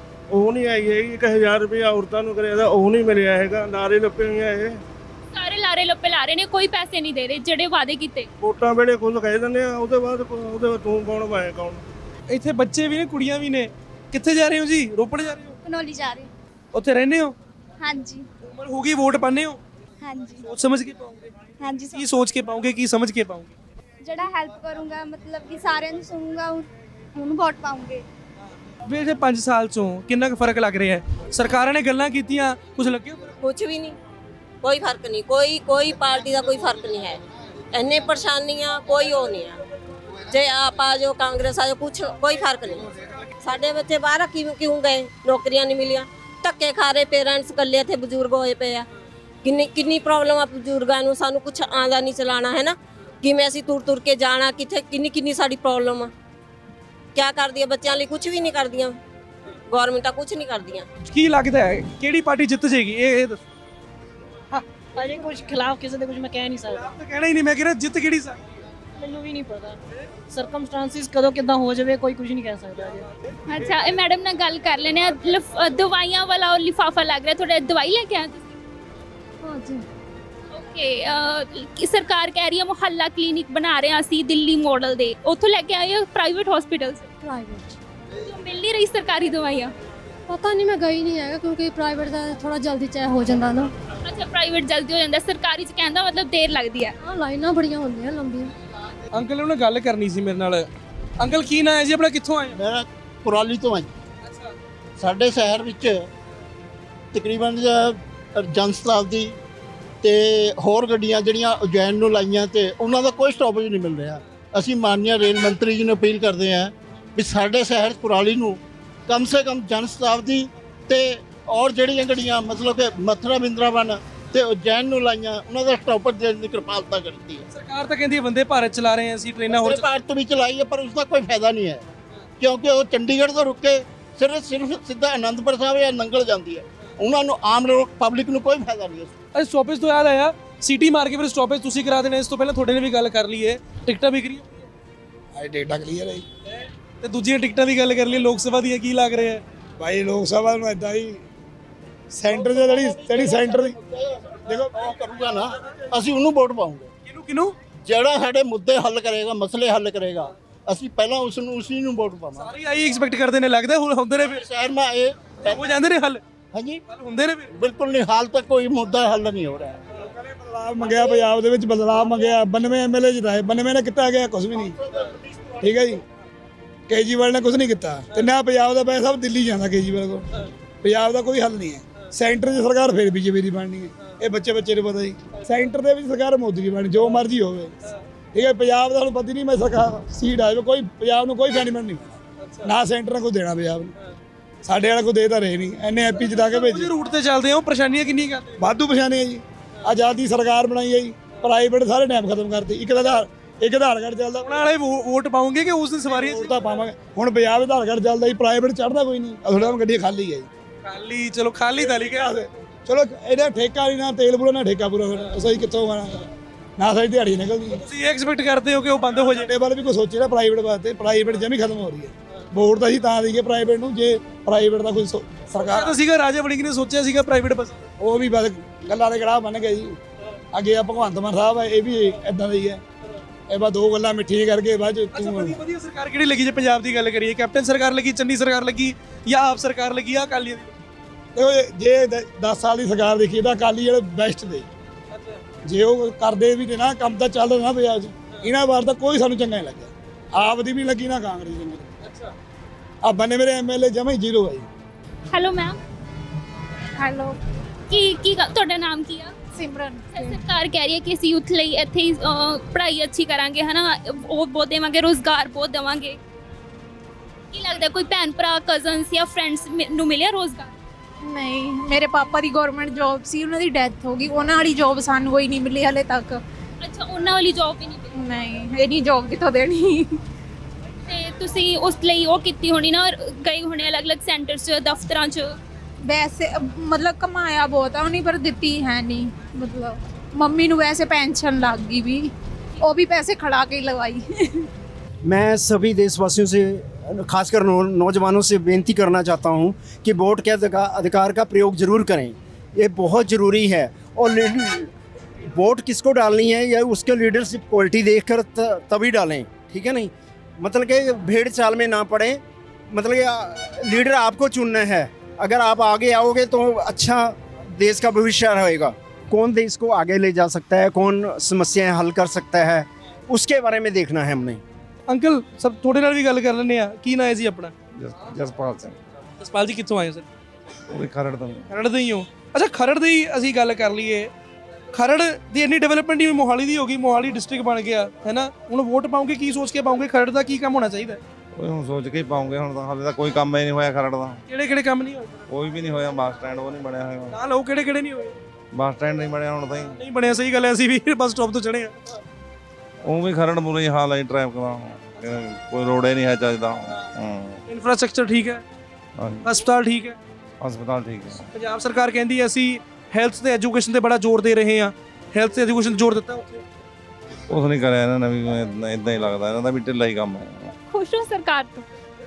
Speaker 12: ਉਹ ਨਹੀਂ ਆਈ ਹੈਗੀ। ਇੱਕ ਹਜ਼ਾਰ ਰੁਪਇਆ ਔਰਤਾਂ ਨੂੰ ਕਰਿਆ ਦਾ, ਉਹ ਨਹੀਂ ਮਿਲਿਆ ਹੈਗਾ। ਲਾਰੇ ਲੱਪੇ ਨਹੀਂ ਆਏ,
Speaker 7: ਸਾਰੇ ਲਾਰੇ ਲੱਪੇ ਲਾ ਰਹੇ ਨੇ, ਕੋਈ ਪੈਸੇ ਨਹੀਂ ਦੇ ਰਹੇ ਜਿਹੜੇ ਵਾਅਦੇ ਕੀਤੇ।
Speaker 12: ਵੋਟਾਂ ਵੇਲੇ ਖੁਦ ਕਹਿ ਦਿੰਦੇ ਆ, ਉਹਦੇ ਬਾਅਦ ਉਹਦੇ ਬਾਅਦ ਤੂੰ ਕੌਣ ਮੈਂ ਕੌਣ।
Speaker 6: ਇੱਥੇ ਬੱਚੇ ਵੀ ਨੇ, ਕੁੜੀਆਂ ਵੀ ਨੇ। ਕਿੱਥੇ ਜਾ ਰਹੇ ਹੋ ਜੀ? ਰੋਪੜ ਜਾ ਰਹੇ ਹੋ?
Speaker 9: ਕਨੌਲੀ ਜਾ ਰਹੇ।
Speaker 6: ਉੱਥੇ ਰਹਿੰਦੇ ਹੋ?
Speaker 9: ਹਾਂਜੀ
Speaker 6: ਉਮਰ ਹੋ ਗਈ, ਵੋਟ ਪਾਉਂਦੇ ਹੋ?
Speaker 9: ਹਾਂਜੀ
Speaker 6: ਸੋਚ ਸਮਝ ਕੇ ਪਾਓਗੇ?
Speaker 9: ਹਾਂਜੀ
Speaker 6: ਕੀ ਸੋਚ ਕੇ ਪਾਓਗੇ, ਕੀ ਸਮਝ ਕੇ ਪਾਓਗੇ?
Speaker 9: ਜਿਹੜਾ ਹੈਲਪ ਕਰੂੰਗਾ, ਮਤਲਬ ਕਿ ਸਾਰਿਆਂ ਨੂੰ ਸੁਣੂੰਗਾ, ਉਹਨੂੰ ਵੋਟ ਪਾਉਂਗੇ।
Speaker 6: ਵੀ ਇਹ ਪੰਜ ਸਾਲ ਚੋਂ ਕਿੰਨਾ ਕੁ ਫਰਕ ਲੱਗ ਰਿਹਾ ਹੈ? ਸਰਕਾਰਾਂ ਨੇ ਗੱਲਾਂ ਕੀਤੀਆਂ, ਕੁਝ ਲੱਗਿਆ?
Speaker 5: ਕੁਝ ਵੀ ਨਹੀਂ, ਕੋਈ ਫਰਕ ਨਹੀਂ, ਕੋਈ ਕੋਈ ਪਾਰਟੀ ਦਾ ਕੋਈ ਫਰਕ ਨਹੀਂ ਹੈ। ਇੰਨੇ ਪਰੇਸ਼ਾਨੀਆਂ, ਕੋਈ ਉਹ ਨਹੀਂ ਹੈ। ਜੇ ਆਪ ਆ ਜਾਓ, ਕਾਂਗਰਸ ਆ ਜਾਓ, ਕੁਝ ਕੋਈ ਫਰਕ ਨਹੀਂ। ਸਾਡੇ ਬੱਚੇ ਬਾਹਰ ਕਿਉਂ ਕਿਉਂ ਗਏ, ਨੌਕਰੀਆਂ ਨਹੀਂ ਮਿਲੀਆਂ, ਧੱਕੇ ਖਾ ਰਹੇ ਪੇਰੈਂਟਸ, ਇਕੱਲੇ ਇੱਥੇ ਬਜ਼ੁਰਗ ਹੋਏ ਪਏ ਆ। ਕਿੰਨੀ ਕਿੰਨੀ ਪ੍ਰੋਬਲਮ ਆ ਬਜ਼ੁਰਗਾਂ ਨੂੰ, ਸਾਨੂੰ ਕੁਝ ਆਉਂਦਾ ਨਹੀਂ ਚਲਾਣਾ ਹੈ ਨਾ, ਕਿਵੇਂ ਅਸੀਂ ਤੁਰ ਤੁਰ ਕੇ ਜਾਣਾ, ਕਿੱਥੇ ਕਿੰਨੀ ਕਿੰਨੀ ਸਾਡੀ ਪ੍ਰੋਬਲਮ ਆ। ਕਿਆ ਕਰਦੀ ਆ ਬੱਚਿਆਂ ਲਈ? ਕੁਝ ਵੀ ਨਹੀਂ ਕਰਦੀਆਂ ਗਵਰਨਮੈਂਟਾਂ, ਕੁਝ ਨਹੀਂ ਕਰਦੀਆਂ।
Speaker 6: ਕੀ ਲੱਗਦਾ ਹੈ ਕਿਹੜੀ ਪਾਰਟੀ ਜਿੱਤ ਜਾਏਗੀ? ਇਹ ਇਹ ਦੱਸੋ।
Speaker 4: ਅਜੇ ਕੁਝ ਖਿਲਾਫ ਕਿਸੇ ਦੇ ਕੁਝ ਮੈਂ ਕਹਿ ਨਹੀਂ ਸਕਦਾ।
Speaker 6: ਆਪ ਤਾਂ ਕਹਿਣਾ ਹੀ ਨਹੀਂ, ਮੈਂ ਕਿਹਾ ਜਿੱਤ ਕਿਹੜੀ ਸਕਦੀ?
Speaker 4: ਮੈਨੂੰ ਵੀ ਨਹੀਂ ਪਤਾ, ਸਰਕਮਸਟੈਂਸਿਸ ਕਦੋਂ ਕਿੱਦਾਂ ਹੋ ਜਾਵੇ ਕੋਈ ਕੁਝ ਨਹੀਂ ਕਹਿ ਸਕਦਾ ਅਜੇ।
Speaker 7: ਅੱਛਾ, ਇਹ ਮੈਡਮ ਨਾਲ ਗੱਲ ਕਰ ਲੈਣੇ ਆ। ਲਿਫ- ਅ, ਦਵਾਈਆਂ ਵਾਲਾ ਉਹ ਲਿਫਾਫਾ ਲੱਗ ਰਿਹਾ, ਤੁਹਾਡਾ ਦਵਾਈ ਲੈ ਕੇ ਆਏ ਤੁਸੀਂ?
Speaker 9: ਹਾਂਜੀ।
Speaker 7: ਓਕੇ, ਕਿ ਸਰਕਾਰ ਕਹਿ ਰਹੀ ਹੈ ਮੁਹੱਲਾ ਕਲੀਨਿਕ ਬਣਾ ਰਹੇ ਹਾਂ ਅਸੀਂ ਦਿੱਲੀ ਮਾਡਲ ਦੇ, ਉੱਥੋਂ ਲੈ ਕੇ ਆਏ ਹੋ ਪ੍ਰਾਈਵੇਟ ਹਸਪੀਟਲ ਸੇ?
Speaker 9: ਪ੍ਰਾਈਵੇਟ
Speaker 7: ਜੋ ਮਿਲ ਨਹੀਂ ਰਹੀ ਸਰਕਾਰੀ ਦਵਾਈਆਂ?
Speaker 9: ਪਤਾ ਨਹੀਂ, ਮੈਂ ਗਈ ਨਹੀਂ ਹੈਗਾ ਕਿਉਂਕਿ ਪ੍ਰਾਈਵੇਟ ਦਾ ਥੋੜਾ ਜਲਦੀ ਚਾਹ ਹੋ ਜਾਂਦਾ ਨਾ।
Speaker 7: ਅੱਛਾ, ਪ੍ਰਾਈਵੇਟ ਜਲਦੀ ਹੋ ਜਾਂਦਾ, ਸਰਕਾਰੀ ਚ ਕਹਿੰਦਾ ਮਤਲਬ ਦੇਰ ਲੱਗਦੀ ਹੈ।
Speaker 9: ਹਾਂ, ਲਾਈਨਾਂ ਬੜੀਆਂ ਹੁੰਦੀਆਂ ਲੰਬੀਆਂ।
Speaker 6: ਅੰਕਲ ਉਹਨੇ ਗੱਲ ਕਰਨੀ ਸੀ ਮੇਰੇ ਨਾਲ। ਅੰਕਲ ਕੀ ਨਾਂ ਹੈ ਜੀ ਆਪਣਾ, ਕਿੱਥੋਂ ਆਏ?
Speaker 13: ਮੇਰਾ ਕੁਰਾਲੀ ਤੋਂ ਹੈ।
Speaker 6: ਅੱਛਾ,
Speaker 13: ਸਾਡੇ ਸ਼ਹਿਰ ਵਿੱਚ ਤਕਰੀਬਨ ਜਨਸ਼ਤਾਬਦੀ ਤੇ ਹੋਰ ਗੱਡੀਆਂ ਜਿਹੜੀਆਂ ਉਜੈਨ ਨੂੰ ਲਾਈਆਂ ਤੇ ਉਹਨਾਂ ਦਾ ਕੋਈ ਸਟਾਪੇਜ ਨਹੀਂ ਮਿਲ ਰਿਹਾ। ਅਸੀਂ ਮਾਨਯ ਰੇਲ ਮੰਤਰੀ ਜੀ ਨੂੰ ਅਪੀਲ ਕਰਦੇ ਹਾਂ ਵੀ ਸਾਡੇ ਸ਼ਹਿਰ ਕੁਰਾਲੀ ਨੂੰ ਕਮ ਸੇ ਕਮ ਜਨਸ਼ਤਾਬਦੀ ਤੇ ਔਰ ਜਿਹੜੀਆਂ ਗੱਡੀਆਂ ਮਤਲਬ ਕਿ ਮਥੁਰਾ ਬਿੰਦਰਾਵਨ ਤੇ ਉਜੈਨ ਨੂੰ ਲਾਈਆਂ ਉਹਨਾਂ ਦਾ ਸਟਾਪੇਜ ਦੇਣ ਦੀ ਕਿਰਪਾਲਤਾ ਕਰਦੀ ਹੈ।
Speaker 6: ਸਰਕਾਰ ਤਾਂ ਕਹਿੰਦੀ ਹੈ ਵੰਦੇ ਭਾਰਤ ਚਲਾ ਰਹੇ ਹਾਂ ਅਸੀਂ, ਟ੍ਰੇਨਾਂ ਹੋਰ
Speaker 13: ਵੰਦੇ ਭਾਰਤ ਵੀ ਚਲਾਈ ਹੈ ਪਰ ਉਸ ਦਾ ਕੋਈ ਫਾਇਦਾ ਨਹੀਂ ਹੈ ਕਿਉਂਕਿ ਉਹ ਚੰਡੀਗੜ੍ਹ ਤੋਂ ਰੁਕ ਕੇ ਸਿਰਫ ਸਿਰਫ ਸਿੱਧਾ ਅਨੰਦਪੁਰ ਸਾਹਿਬ ਜਾਂ ਨੰਗਲ ਜਾਂਦੀ ਹੈ। ਉਹਨਾਂ ਨੂੰ ਆਮ ਲੋਕ ਪਬਲਿਕ ਨੂੰ ਕੋਈ ਫਾਇਦਾ ਨਹੀਂ ਹੈ।
Speaker 6: ਅਰੇ ਸਟਾਪੇਜ ਤੋਂ ਯਾਦ ਆਇਆ, ਸਿਟੀ ਮਾਰ ਕੇ ਫਿਰ ਸਟਾਪੇਜ ਤੁਸੀਂ ਕਰਾ ਦੇਣਾ। ਇਸ ਤੋਂ ਪਹਿਲਾਂ ਤੁਹਾਡੇ ਨੇ ਵੀ ਗੱਲ ਕਰ ਲਈ ਹੈ, ਟਿਕਟਾਂ ਵਿਕ ਰਹੀਆਂ?
Speaker 11: ਆਈ ਡੇਟਾ ਕਲੀਅਰ ਹੈ ਜੀ।
Speaker 6: ਤੇ ਦੂਜੀਆਂ ਟਿਕਟਾਂ ਦੀ ਗੱਲ ਕਰ ਲਈ ਲੋਕ ਸਭਾ ਦੀਆਂ, ਕੀ ਲੱਗ ਰਿਹਾ ਹੈ?
Speaker 11: ਭਾਈ ਲੋਕ ਸਭਾ ਨੂੰ ਇਦਾਂ ਹੀ
Speaker 13: ਸੈਂਟਰ ਦੇ ਜਿਹੜੀ ਜਿਹੜੀ ਸੈਂਟਰ ਦੀ ਦੇਖੋ ਉਹ ਕਰੂਗਾ ਨਾ, ਅਸੀਂ ਉਹਨੂੰ ਵੋਟ ਪਾਉਂਗੇ।
Speaker 6: ਕਿਹਨੂੰ ਕਿਹਨੂੰ?
Speaker 13: ਜਿਹੜਾ ਸਾਡੇ ਮੁੱਦੇ ਹੱਲ ਕਰੇਗਾ, ਮਸਲੇ ਹੱਲ ਕਰੇਗਾ, ਅਸੀਂ ਪਹਿਲਾਂ ਉਸ ਨੂੰ ਉਸੇ ਨੂੰ ਵੋਟ ਪਾਵਾਂਗੇ।
Speaker 6: ਸਾਰੇ ਆਈ ਐਕਸਪੈਕਟ ਕਰਦੇ ਨੇ, ਲੱਗਦਾ ਹੁਣ ਹੁੰਦੇ ਨੇ ਫਿਰ
Speaker 13: ਸ਼ਹਿਰ ਮਾ ਇਹ
Speaker 6: ਹੋ ਜਾਂਦੇ ਨੇ ਹੱਲ।
Speaker 13: ਹਾਂਜੀ
Speaker 6: ਹੁੰਦੇ ਨੇ ਫਿਰ।
Speaker 13: ਬਿਲਕੁਲ ਨਹੀਂ, ਹਾਲ ਤੱਕ ਕੋਈ ਮੁੱਦਾ ਹੱਲ ਨਹੀਂ ਹੋ ਰਿਹਾ।
Speaker 6: ਬਦਲਾਅ ਮੰਗਿਆ, ਪੰਜਾਬ ਦੇ ਵਿੱਚ ਬਦਲਾਅ ਮੰਗਿਆ, ਬਾਨਵੇਂ ਐਮਐਲਏ ਜਿਤਾਏ, ਬਾਨਵੇਂ ਨੇ ਕੀਤਾ ਗਿਆ ਕੁਝ ਵੀ ਨਹੀਂ। ਠੀਕ ਹੈ ਜੀ, ਕੇਜਰੀਵਾਲ ਨੇ ਕੁਝ ਨਹੀਂ ਕੀਤਾ ਤੇ ਨਾ ਪੰਜਾਬ ਦਾ ਪੈਸਾ ਸਭ ਦਿੱਲੀ ਜਾਂਦਾ ਕੇਜਰੀਵਾਲ ਕੋਲ। ਪੰਜਾਬ ਦਾ ਕੋਈ ਹੱਲ ਨਹੀਂ ਹੈ। ਸੈਂਟਰ ਦੀ ਸਰਕਾਰ ਫਿਰ ਬੀਜੇਪੀ ਦੀ ਬਣਨੀ ਹੈ, ਇਹ ਬੱਚੇ ਬੱਚੇ ਨੂੰ ਪਤਾ ਜੀ। ਸੈਂਟਰ ਦੇ ਵਿੱਚ ਸਰਕਾਰ ਮੋਦੀ ਦੀ ਬਣਨੀ, ਜੋ ਮਰਜ਼ੀ ਹੋਵੇ। ਠੀਕ ਹੈ, ਪੰਜਾਬ ਦਾ ਹੁਣ ਪਤਾ ਨਹੀਂ, ਮੈਂ ਸਰਕਾਰ ਸੀਟ ਆਵੇ ਕੋਈ ਪੰਜਾਬ ਨੂੰ ਕੋਈ ਬੈਨੀਫਿਟ ਨਹੀਂ ਮਿਲਣਾ, ਨਾ ਸੈਂਟਰ ਨੇ ਕੋਈ ਦੇਣਾ ਪੰਜਾਬ ਨੂੰ। ਸਾਡੇ ਵਾਲਾ ਕੋਈ ਦੇ ਤਾਂ ਰਹੇ ਨਹੀਂ, ਐਨੇ ਐਪੀ ਜਿਤਾ ਕੇ ਭੇਜੇ। ਰੂਟ ਤੇ ਚੱਲਦੇ ਹੋ, ਪਰੇਸ਼ਾਨੀਆਂ ਕਿੰਨੀਆਂ ਕਰਦੇ? ਵਾਧੂ ਪਰੇਸ਼ਾਨੀਆਂ ਜੀ। ਆਜ਼ਾਦੀ ਸਰਕਾਰ ਬਣਾਈ ਹੈ ਜੀ, ਪ੍ਰਾਈਵੇਟ ਸਾਰੇ ਟਾਈਮ ਖਤਮ ਕਰਤੇ। ਇੱਕ ਆਧਾਰ ਇੱਕ ਆਧਾਰ ਕਾਰਡ ਚੱਲਦਾ, ਉਹਨਾਂ ਵਾਲੇ ਵੋਟ ਪਾਉਂਗੇ ਕਿ ਉਸ ਦੀ ਸਵਾਰੀ ਵੋਟ ਤਾਂ ਪਾਵਾਂਗੇ। ਹੁਣ ਪੰਜਾਬ ਆਧਾਰ ਕਾਰਡ ਚੱਲਦਾ ਜੀ, ਪ੍ਰਾਈਵੇਟ ਚੜ੍ਹਦਾ ਕੋਈ ਨਹੀਂ। ਥੋੜਾ ਗੱਡੀ ਖਾਲੀ ਹੈ ਜੀ, ਖਾਲੀ। ਚਲੋ ਖਾਲੀ ਤਾਂ ਲਿਖਿਆ ਚਲੋ, ਇਹਦਾ ਠੇਕਾ ਨਹੀਂ, ਨਾ ਤੇਲ ਪੂਰਾ ਨਾ ਠੇਕਾ ਪੂਰਾ, ਫਿਰ ਅਸੀਂ ਕਿੱਥੋਂ ਆਣਾ, ਨਾ ਸਾਡੀ ਦਿਹਾੜੀ ਨਿਕਲਦੀ। ਤੁਸੀਂ ਐਕਸਪੈਕਟ ਕਰਦੇ ਹੋ ਕਿ ਉਹ ਬੰਦ ਹੋ ਜਾਏ? ਬਾਰੇ ਵੀ ਕੋਈ ਸੋਚੇ ਨਾ ਪ੍ਰਾਈਵੇਟ ਵਾਸਤੇ, ਪ੍ਰਾਈਵੇਟ ਜਮੀ ਖਤਮ ਹੋ ਰਹੀ ਹੈ। ਵੋਟ ਤਾਂ ਅਸੀਂ ਤਾਂ ਦਈਏ ਪ੍ਰਾਈਵੇਟ ਨੂੰ ਜੇ ਪ੍ਰਾਈਵੇਟ ਦਾ ਕੋਈ ਸਰਕਾਰ ਤਾਂ ਸੀਗਾ, ਰਾਜਾ ਵੜਿੰਗ ਨੇ ਸੋਚਿਆ ਸੀਗਾ ਪ੍ਰਾਈਵੇਟ ਬਸ, ਉਹ ਵੀ ਬਸ ਗੱਲਾਂ ਦੇ ਗੜਾਹ ਬਣ ਗਏ ਜੀ। ਅੱਗੇ ਆ ਭਗਵੰਤ ਮਾਨ ਸਾਹਿਬ ਹੈ, ਇਹ ਵੀ ਇਦਾਂ ਦਾ ਹੀ ਹੈ। ਇਹ ਬਸ ਦੋ ਗੱਲਾਂ ਮਿੱਠੀਆਂ ਕਰਕੇ ਬਾਅਦ ਚ ਤੂੰ ਵਧੀਆ ਸਰਕਾਰ ਕਿਹੜੀ ਲੱਗੀ? ਜੇ ਪੰਜਾਬ ਦੀ ਗੱਲ ਕਰੀਏ, ਕੈਪਟਨ ਸਰਕਾਰ ਲੱਗੀ, ਚੰਨੀ ਸਰਕਾਰ ਲੱਗੀ, ਜਾਂ ਆਪ ਸਰਕਾਰ ਲੱਗੀ, ਆ ਅਕਾਲੀਆਂ ਦੀ? ਦੇਖੋ ਜੇ ਦਸ ਸਾਲ ਦੀ ਸਰਕਾਰ ਦੇਖੀਏ ਤਾਂ ਅਕਾਲੀ ਜਿਹੜੇ ਬੈਸਟ ਦੇ, ਜੇ ਉਹ ਕਰਦੇ ਵੀ ਤੇ ਨਾ ਕੰਮ ਤਾਂ ਚੱਲਦਾ ਨਾ ਪੰਜਾਬ 'ਚ। ਇਹਨਾਂ ਵਾਰ ਤਾਂ ਕੋਈ ਸਾਨੂੰ ਚੰਗਾ ਨਹੀਂ ਲੱਗਿਆ, ਆਪ ਦੀ ਵੀ ਲੱਗੀ ਨਾ ਕਾਂਗਰਸ ਦੀ। ਅੱਛਾ, ਆ ਬੰਨੇ ਮੇਰੇ ਐਮਐਲਏ ਜਮਾ ਹੀ ਜ਼ੀਰੋ ਹੈ ਜੀ।
Speaker 7: Hello ma'am.
Speaker 8: ਹੈਲੋ,
Speaker 7: ਕੀ ਕੀ ਗ- ਤੁਹਾਡਾ ਨਾਮ ਕੀ ਆ?
Speaker 8: ਸਿਮਰਨ।
Speaker 7: ਸਰਕਾਰ ਕਹਿ ਰਹੀ ਹੈ ਕਿ ਅਸੀਂ ਯੂਥ ਲਈ ਇੱਥੇ ਹੀ ਅਹ, ਪੜ੍ਹਾਈ ਅੱਛੀ ਕਰਾਂਗੇ, ਹਨਾ, ਉਹ ਬਹੁਤ ਦੇਵਾਂਗੇ, ਰੋਜ਼ਗਾਰ ਬਹੁਤ ਦੇਵਾਂਗੇ। ਕੀ ਲੱਗਦਾ ਕੋਈ ਭੈਣ ਭਰਾ, ਕਜ਼ਨਸ ਜਾਂ ਫਰੈਂਡਸ ਨੂੰ ਮਿਲਿਆ ਰੋਜ਼ਗਾਰ?
Speaker 8: ਨਹੀਂ, ਮੇਰੇ ਪਾਪਾ ਦੀ ਗਵਰਨਮੈਂਟ ਜੌਬ ਸੀ, ਉਹਨਾਂ ਦੀ ਡੈਥ ਹੋ ਗਈ। ਉਹਨਾਂ ਵਾਲੀ ਜੌਬ ਸਾਨੂੰ ਕੋਈ ਨਹੀਂ ਮਿਲੀ ਹਲੇ ਤੱਕ।
Speaker 7: ਅੱਛਾ, ਉਹਨਾਂ ਵਾਲੀ ਜੌਬ ਵੀ ਨਹੀਂ ਮਿਲੀ?
Speaker 8: ਨਹੀਂ, ਇਹਨੀ ਜੌਬ ਕਿੱਥੋਂ ਦੇਣੀ।
Speaker 7: ਤੇ ਤੁਸੀਂ ਉਸ ਲਈ ਉਹ ਕੀਤੀ ਹੋਣੀ ਨਾ, ਗਏ ਹੋਣੇ ਅਲੱਗ-ਅਲੱਗ ਸੈਂਟਰਸ 'ਚ, ਦਫ਼ਤਰਾਂ 'ਚ।
Speaker 8: ਵੈਸੇ ਮਤਲਬ ਕਮਾਇਆ ਬਹੁਤ ਆ ਉਹਨੇ, ਪਰ ਦਿੱਤੀ ਹੈ ਨਹੀਂ। ਮਤਲਬ ਮੰਮੀ ਨੂੰ ਵੈਸੇ ਪੈਨਸ਼ਨ ਲੱਗ ਗਈ ਵੀ, ਉਹ भी पैसे खड़ा के लगवाई।
Speaker 14: मैं सभी देशवासियों से खासकर नौ, नौजवानों से बेनती करना चाहता हूं कि वोट के अधिकार का प्रयोग ज़रूर करें, ये बहुत ज़रूरी है। और वोट किसको डालनी है या उसके लीडरशिप क्वालिटी देखकर तभी डालें, ठीक है नहीं? मतलब कि भेड़ चाल में ना पड़े। मतलब कि लीडर आपको चुनना है, अगर आप आगे आओगे तो अच्छा देश का भविष्य रहेगा। कौन देश को आगे ले जा सकता है, कौन समस्याएं हल कर सकता है, उसके बारे में देखना है हमने।
Speaker 6: ਅੰਕਲ ਸਭ ਤੁਹਾਡੇ ਨਾਲ ਵੀ ਗੱਲ ਕਰ ਲੈਂਦੇ ਆ। ਕੀ ਨਾਂ ਹੈ ਜੀ ਆਪਣਾ?
Speaker 15: ਜਸਪਾਲ ਸਿੰਘ।
Speaker 6: ਜਸਪਾਲ ਜੀ ਕਿੱਥੋਂ ਆਏ ਹੋ ਸਰ?
Speaker 15: ਉਹ ਖਰੜ ਤੋਂ।
Speaker 6: ਖਰੜ ਦੇ ਹੀ ਹੋ? ਅੱਛਾ, ਖਰੜ ਦੀ ਅਸੀਂ ਗੱਲ ਕਰ ਲਈਏ। ਖਰੜ ਦੀ ਇੰਨੀ ਡਿਵੈਲਪਮੈਂਟ ਹੀ ਮੋਹਾਲੀ ਦੀ ਹੋ ਗਈ, ਮੋਹਾਲੀ ਡਿਸਟ੍ਰਿਕਟ ਬਣ ਗਿਆ ਹੈ ਨਾ। ਹੁਣ ਵੋਟ ਪਾਉਂਗੇ, ਕੀ ਸੋਚ ਕੇ ਪਾਉਂਗੇ? ਖਰੜ ਦਾ ਕੀ ਕੰਮ ਹੋਣਾ ਚਾਹੀਦਾ?
Speaker 15: ਉਹ ਹੁਣ ਸੋਚ ਕੇ ਹੀ ਪਾਉਂਗੇ, ਹੁਣ ਤਾਂ ਹਾਲੇ ਤਾਂ ਕੋਈ ਕੰਮ ਹੀ ਨਹੀਂ ਹੋਇਆ ਖਰੜ ਦਾ।
Speaker 6: ਕਿਹੜੇ ਕਿਹੜੇ ਕੰਮ ਨਹੀਂ ਹੋਏ?
Speaker 15: ਕੋਈ ਵੀ ਨਹੀਂ ਹੋਇਆ, ਬੱਸ ਸਟੈਂਡ ਉਹ ਨਹੀਂ ਬਣਿਆ ਹੋਇਆ।
Speaker 6: ਨਾ ਲਓ, ਕਿਹੜੇ ਕਿਹੜੇ ਨਹੀਂ ਹੋਏ?
Speaker 15: ਬੱਸ ਸਟੈਂਡ ਨਹੀਂ ਬਣਿਆ ਹੁਣ ਤਾਈਂ।
Speaker 6: ਨਹੀਂ ਬਣਿਆ, ਸਹੀ ਗੱਲ ਹੈ, ਅਸੀਂ ਵੀ ਬੱਸ ਸਟਾਪ ਤੋਂ ਚੜੇ ਆ।
Speaker 15: ਉਹ ਵੀ ਖਰੜ ਬੁਰਾ ਹੀ ਹਾਲ ਹੈ ਟ੍ਰੈਫਿਕ ਦਾ, ਕੋਈ ਰੋਡ ਹੀ ਨਹੀਂ ਹੈ ਚੱਜਦਾ।
Speaker 6: ਇਨਫਰਾਸਟ੍ਰਕਚਰ ਠੀਕ ਹੈ, ਹਸਪਤਾਲ ਠੀਕ ਹੈ?
Speaker 15: ਹਸਪਤਾਲ ਠੀਕ ਹੈ।
Speaker 6: ਪੰਜਾਬ ਸਰਕਾਰ ਕਹਿੰਦੀ ਹੈ ਅਸੀਂ ਹੈਲਥ ਤੇ ਐਜੂਕੇਸ਼ਨ ਤੇ ਬੜਾ ਜ਼ੋਰ ਦੇ ਰਹੇ ਹਾਂ, ਹੈਲਥ ਤੇ ਐਜੂਕੇਸ਼ਨ ਜ਼ੋਰ ਦਿੱਤਾ ਉੱਥੇ?
Speaker 15: ਉਸ ਨਹੀਂ ਕਰਿਆ ਇਹਨਾਂ ਨੇ ਵੀ, ਇਦਾਂ ਹੀ ਲੱਗਦਾ ਇਹਨਾਂ ਦਾ ਵੀ ਢਿੱਲਾ ਹੀ ਕੰਮ ਹੈ।
Speaker 7: ਖੁਸ਼ ਹੋ ਸਰਕਾਰ ਤੋਂ?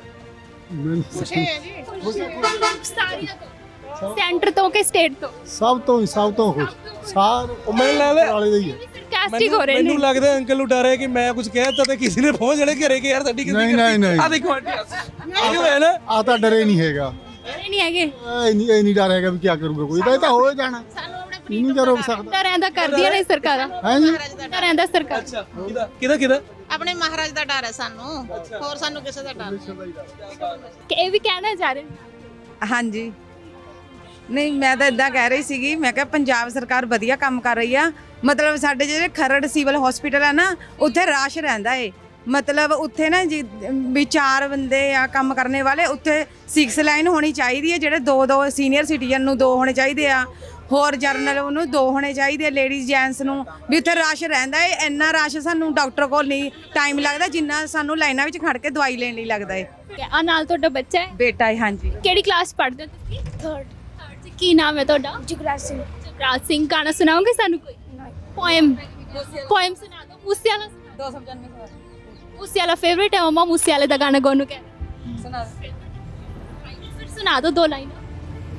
Speaker 7: ਸੈਂਟਰ ਤੋਂ ਕਿ ਸਟੇਟ ਤੋਂ?
Speaker 13: ਸਭ ਤੋਂ ਹੀ ਸਭ ਤੋਂ ਖੁਸ਼ ਸਾਰੇ।
Speaker 6: ਮੈਨੂੰ ਲੱਗਦਾ
Speaker 13: ਵਾਲੇ ਦਾ ਹੀ ਹੈ।
Speaker 7: ਸਰਕਾਸਟਿਕ ਹੋ ਰਹੇ ਨੇ।
Speaker 6: ਮੈਨੂੰ ਲੱਗਦਾ ਅੰਕਲ ਨੂੰ ਡਰ ਹੈ ਕਿ ਮੈਂ ਕੁਝ ਕਹਿ ਦਿੱਤਾ ਤੇ ਕਿਸੇ ਨੇ ਪਹੁੰਚ ਜਾਣੇ ਘਰੇ ਕਿ ਯਾਰ ਸਾਡੀ ਕਿਸੇ
Speaker 13: ਨਹੀਂ ਨਹੀਂ ਨਹੀਂ,
Speaker 6: ਆ ਦੇਖੋ ਆਂਟੀ ਹੋਇਆ ਨਾ,
Speaker 13: ਆ ਤਾਂ ਡਰੇ ਨਹੀਂ ਹੈਗਾ।
Speaker 7: ਇਹ ਨਹੀਂ ਹੈਗੇ,
Speaker 13: ਇਹ ਨਹੀਂ ਇਹ ਨਹੀਂ ਡਰ ਹੈਗਾ ਵੀ ਕੀ ਕਰੂਗਾ ਕੋਈ, ਇਹ ਤਾਂ ਹੋ ਜਾਣਾ, ਨਹੀਂ ਤਾਂ ਰੋਕ ਸਕਦਾ।
Speaker 7: ਤਾਂ ਰਹਿੰਦਾ ਕਰਦੀਆਂ ਨੇ ਸਰਕਾਰਾਂ।
Speaker 13: ਹੈ ਜੀ,
Speaker 7: ਤਾਂ ਰਹਿੰਦਾ ਸਰਕਾਰ।
Speaker 6: ਅੱਛਾ, ਕਿਹਦਾ ਕਿਹਦਾ ਕਿਹਦਾ?
Speaker 8: ਆਪਣੇ ਮਹਾਰਾਜ ਦਾ ਡਰ ਹੈ ਸਾਨੂੰ, ਹੋਰ ਸਾਨੂੰ ਕਿਸੇ ਦਾ ਡਰ
Speaker 7: ਕਿ ਇਹ ਵੀ ਕਹਿਣਾ ਚਾਹ ਰਹੇ ਨੇ?
Speaker 16: ਹਾਂਜੀ, ਨਹੀਂ ਮੈਂ ਤਾਂ ਇਦਾਂ ਕਹਿ ਰਹੀ ਸੀਗੀ, ਮੈਂ ਕਿਹਾ ਪੰਜਾਬ ਸਰਕਾਰ ਵਧੀਆ ਕੰਮ ਕਰ ਰਹੀ ਆ। ਮਤਲਬ ਸਾਡੇ ਜਿਹੜੇ ਖਰੜ ਸਿਵਲ ਹਸਪੀਟਲ ਆ ਨਾ, ਉੱਥੇ ਰਾਸ਼ ਰਹਿੰਦਾ ਏ। ਮਤਲਬ ਉੱਥੇ ਨਾ ਜੀ ਵੀ ਚਾਰ ਬੰਦੇ ਆ ਕੰਮ ਕਰਨੇ ਵਾਲੇ, ਉੱਥੇ ਸਿਕਸ ਲਾਈਨ ਹੋਣੀ ਚਾਹੀਦੀ ਹੈ। ਜਿਹੜੇ ਦੋ ਦੋ ਸੀਨੀਅਰ ਸਿਟੀਜ਼ਨ ਨੂੰ ਦੋ ਹੋਣੇ ਚਾਹੀਦੇ ਆ, ਹੋਰ ਜਰਨਲ ਉਹਨੂੰ ਦੋ ਹੋਣੇ ਚਾਹੀਦੇ ਆ, ਲੇਡੀਜ਼ ਜੈਂਟਸ ਨੂੰ ਵੀ। ਉੱਥੇ ਰਸ਼ ਰਹਿੰਦਾ ਏ, ਇੰਨਾ ਰਸ਼ ਸਾਨੂੰ ਡਾਕਟਰ ਕੋਲ ਨਹੀਂ ਟਾਈਮ ਲੱਗਦਾ ਜਿੰਨਾ ਸਾਨੂੰ ਲਾਈਨਾਂ ਵਿੱਚ ਖੜ ਕੇ ਦਵਾਈ ਲੈਣ ਲਈ ਲੱਗਦਾ ਏ।
Speaker 7: ਆ ਨਾਲ ਤੁਹਾਡਾ ਬੱਚਾ ਹੈ?
Speaker 16: ਬੇਟਾ ਹੈ। ਹਾਂਜੀ।
Speaker 7: ਕਿਹੜੀ ਕਲਾਸ ਪੜ੍ਹਦੇ ਹੋ ਤੁਸੀਂ?
Speaker 1: ਥਰਡ।
Speaker 7: ਥਰਡ 'ਚ ਕੀ ਨਾਮ ਹੈ ਤੁਹਾਡਾ?
Speaker 1: ਜੁਗਰਾਜ ਸਿੰਘ।
Speaker 7: ਜਗਰਾਜ ਸਿੰਘ। ਗਾਣਾ ਸੁਣਾਓਗੇ ਸਾਨੂੰ ਕੋਈ? ਪੋਇਮ ਪੋਇਮ ਸੁਣਾ ਦਿਓ। ਮੂਸੇ ਵਾਲਾ
Speaker 16: ਦੋ ਸੌ ਪਚਾਨਵੇਂ
Speaker 7: ਮੂਸੇ ਵਾਲਾ ਫੇਵਰੇਟ ਹੈ ਮਮਾ, ਮੂਸੇ ਵਾਲੇ ਦਾ ਗਾਣਾ ਗਾਉਣ ਨੂੰ ਕਹਿ ਸੁਣਾ ਫਿਰ ਸੁਣਾ ਦਿਓ ਦੋ ਲਾਈਨਾਂ।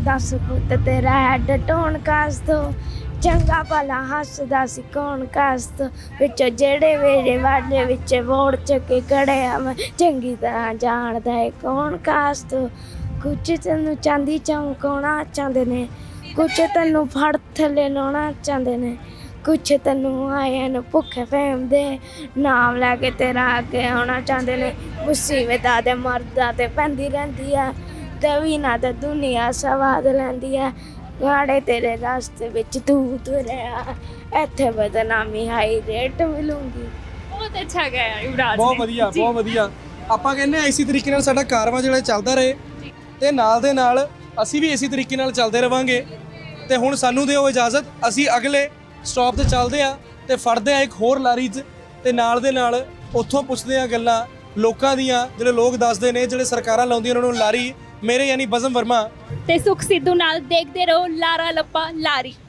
Speaker 1: ਦਸ ਪੁੱਤ ਤੇਰਾ ਹੈਡ ਟੋਨ ਕਾਸ ਤੋਂ ਚੰਗਾ ਭਲਾ ਹੱਸਦਾ ਸੀ ਕੌਣ ਕਾਸ ਤੋਂ ਵਿੱਚੋਂ ਜਿਹੜੇ ਮੇਰੇ ਵਾਲੇ ਵਿੱਚ ਵੋੜ ਚੱਕੇ ਕੜਿਆ ਮੈਂ ਚੰਗੀ ਤਰ੍ਹਾਂ ਜਾਣਦਾ ਏ ਕੌਣ ਕਾਸ ਤੋਂ ਕੁਝ ਤੈਨੂੰ ਚਾਂਦੀ ਚਮਕਾਉਣਾ ਚਾਹੁੰਦੇ ਨੇ ਕੁਝ ਤੈਨੂੰ ਫੜ ਥੱਲੇ ਲਾਉਣਾ ਚਾਹੁੰਦੇ ਨੇ ਕੁਛ ਤੈਨੂੰ ਆਇਆ ਨੂੰ ਭੁੱਖੇ ਫਹਿਮ ਦੇ ਨਾਮ ਲੈ ਕੇ ਤੇਰਾ ਅੱਗੇ ਆਉਣਾ ਚਾਹੁੰਦੇ ਨੇ ਮੁਸੀਬਤਾਂ ਦੇ ਮਰਦਾਂ ਤੇ ਪੈਂਦੀ ਰਹਿੰਦੀ ਆ ਦਵੀ ਨਾ ਤੇ ਦੁਨੀਆ ਸਵਾਦ ਲੈਂਦੀ ਆ ਗਾੜੇ ਤੇਰੇ ਰਸਤੇ ਵਿੱਚ ਤੂੰ ਤੁਰਿਆ ਇੱਥੇ ਬਦਨਾਮੀ ਹਾਈ ਰੇਟ ਮਿਲੂੰਗੀ।
Speaker 7: ਬਹੁਤ ਅੱਛਾ ਗਿਆ ਯੁਵਰਾਜ
Speaker 6: ਬਹੁਤ ਵਧੀਆ ਬਹੁਤ ਵਧੀਆ। ਆਪਾਂ ਕਹਿੰਦੇ ਆ ਇਸੇ ਤਰੀਕੇ ਨਾਲ ਸਾਡਾ ਕਾਰਵਾ ਜਿਹੜਾ ਚੱਲਦਾ ਰਹੇ ਤੇ ਨਾਲ ਦੇ ਨਾਲ ਅਸੀਂ ਵੀ ਇਸੇ ਤਰੀਕੇ ਨਾਲ ਚੱਲਦੇ ਰਵਾਂਗੇ। ਤੇ ਹੁਣ ਸਾਨੂੰ ਦਿਓ ਇਜਾਜ਼ਤ, ਅਸੀਂ ਅਗਲੇ ਸਟਾਪ ਤੇ ਚੱਲਦੇ ਆ ਤੇ ਫੜਦੇ ਆ ਇੱਕ ਹੋਰ ਲਾਰੀ 'ਚ ਤੇ ਨਾਲ ਦੇ ਨਾਲ ਉੱਥੋਂ ਪੁੱਛਦੇ ਆ ਗੱਲਾਂ ਲੋਕਾਂ ਦੀਆਂ, ਜਿਹੜੇ ਲੋਕ ਦੱਸਦੇ ਨੇ ਜਿਹੜੇ ਸਰਕਾਰਾਂ ਲਾਉਂਦੀਆਂ ਉਹਨਾਂ ਨੂੰ ਲਾਰੀ। ਮੇਰੇ ਯਾਨੀ ਬਜ਼ਮ ਵਰਮਾ
Speaker 7: ਤੇ ਸੁਖ ਸਿੱਧੂ ਨਾਲ ਦੇਖਦੇ ਰਹੋ ਲਾਰਾ ਲੱਪਾ ਲਾਰੀ।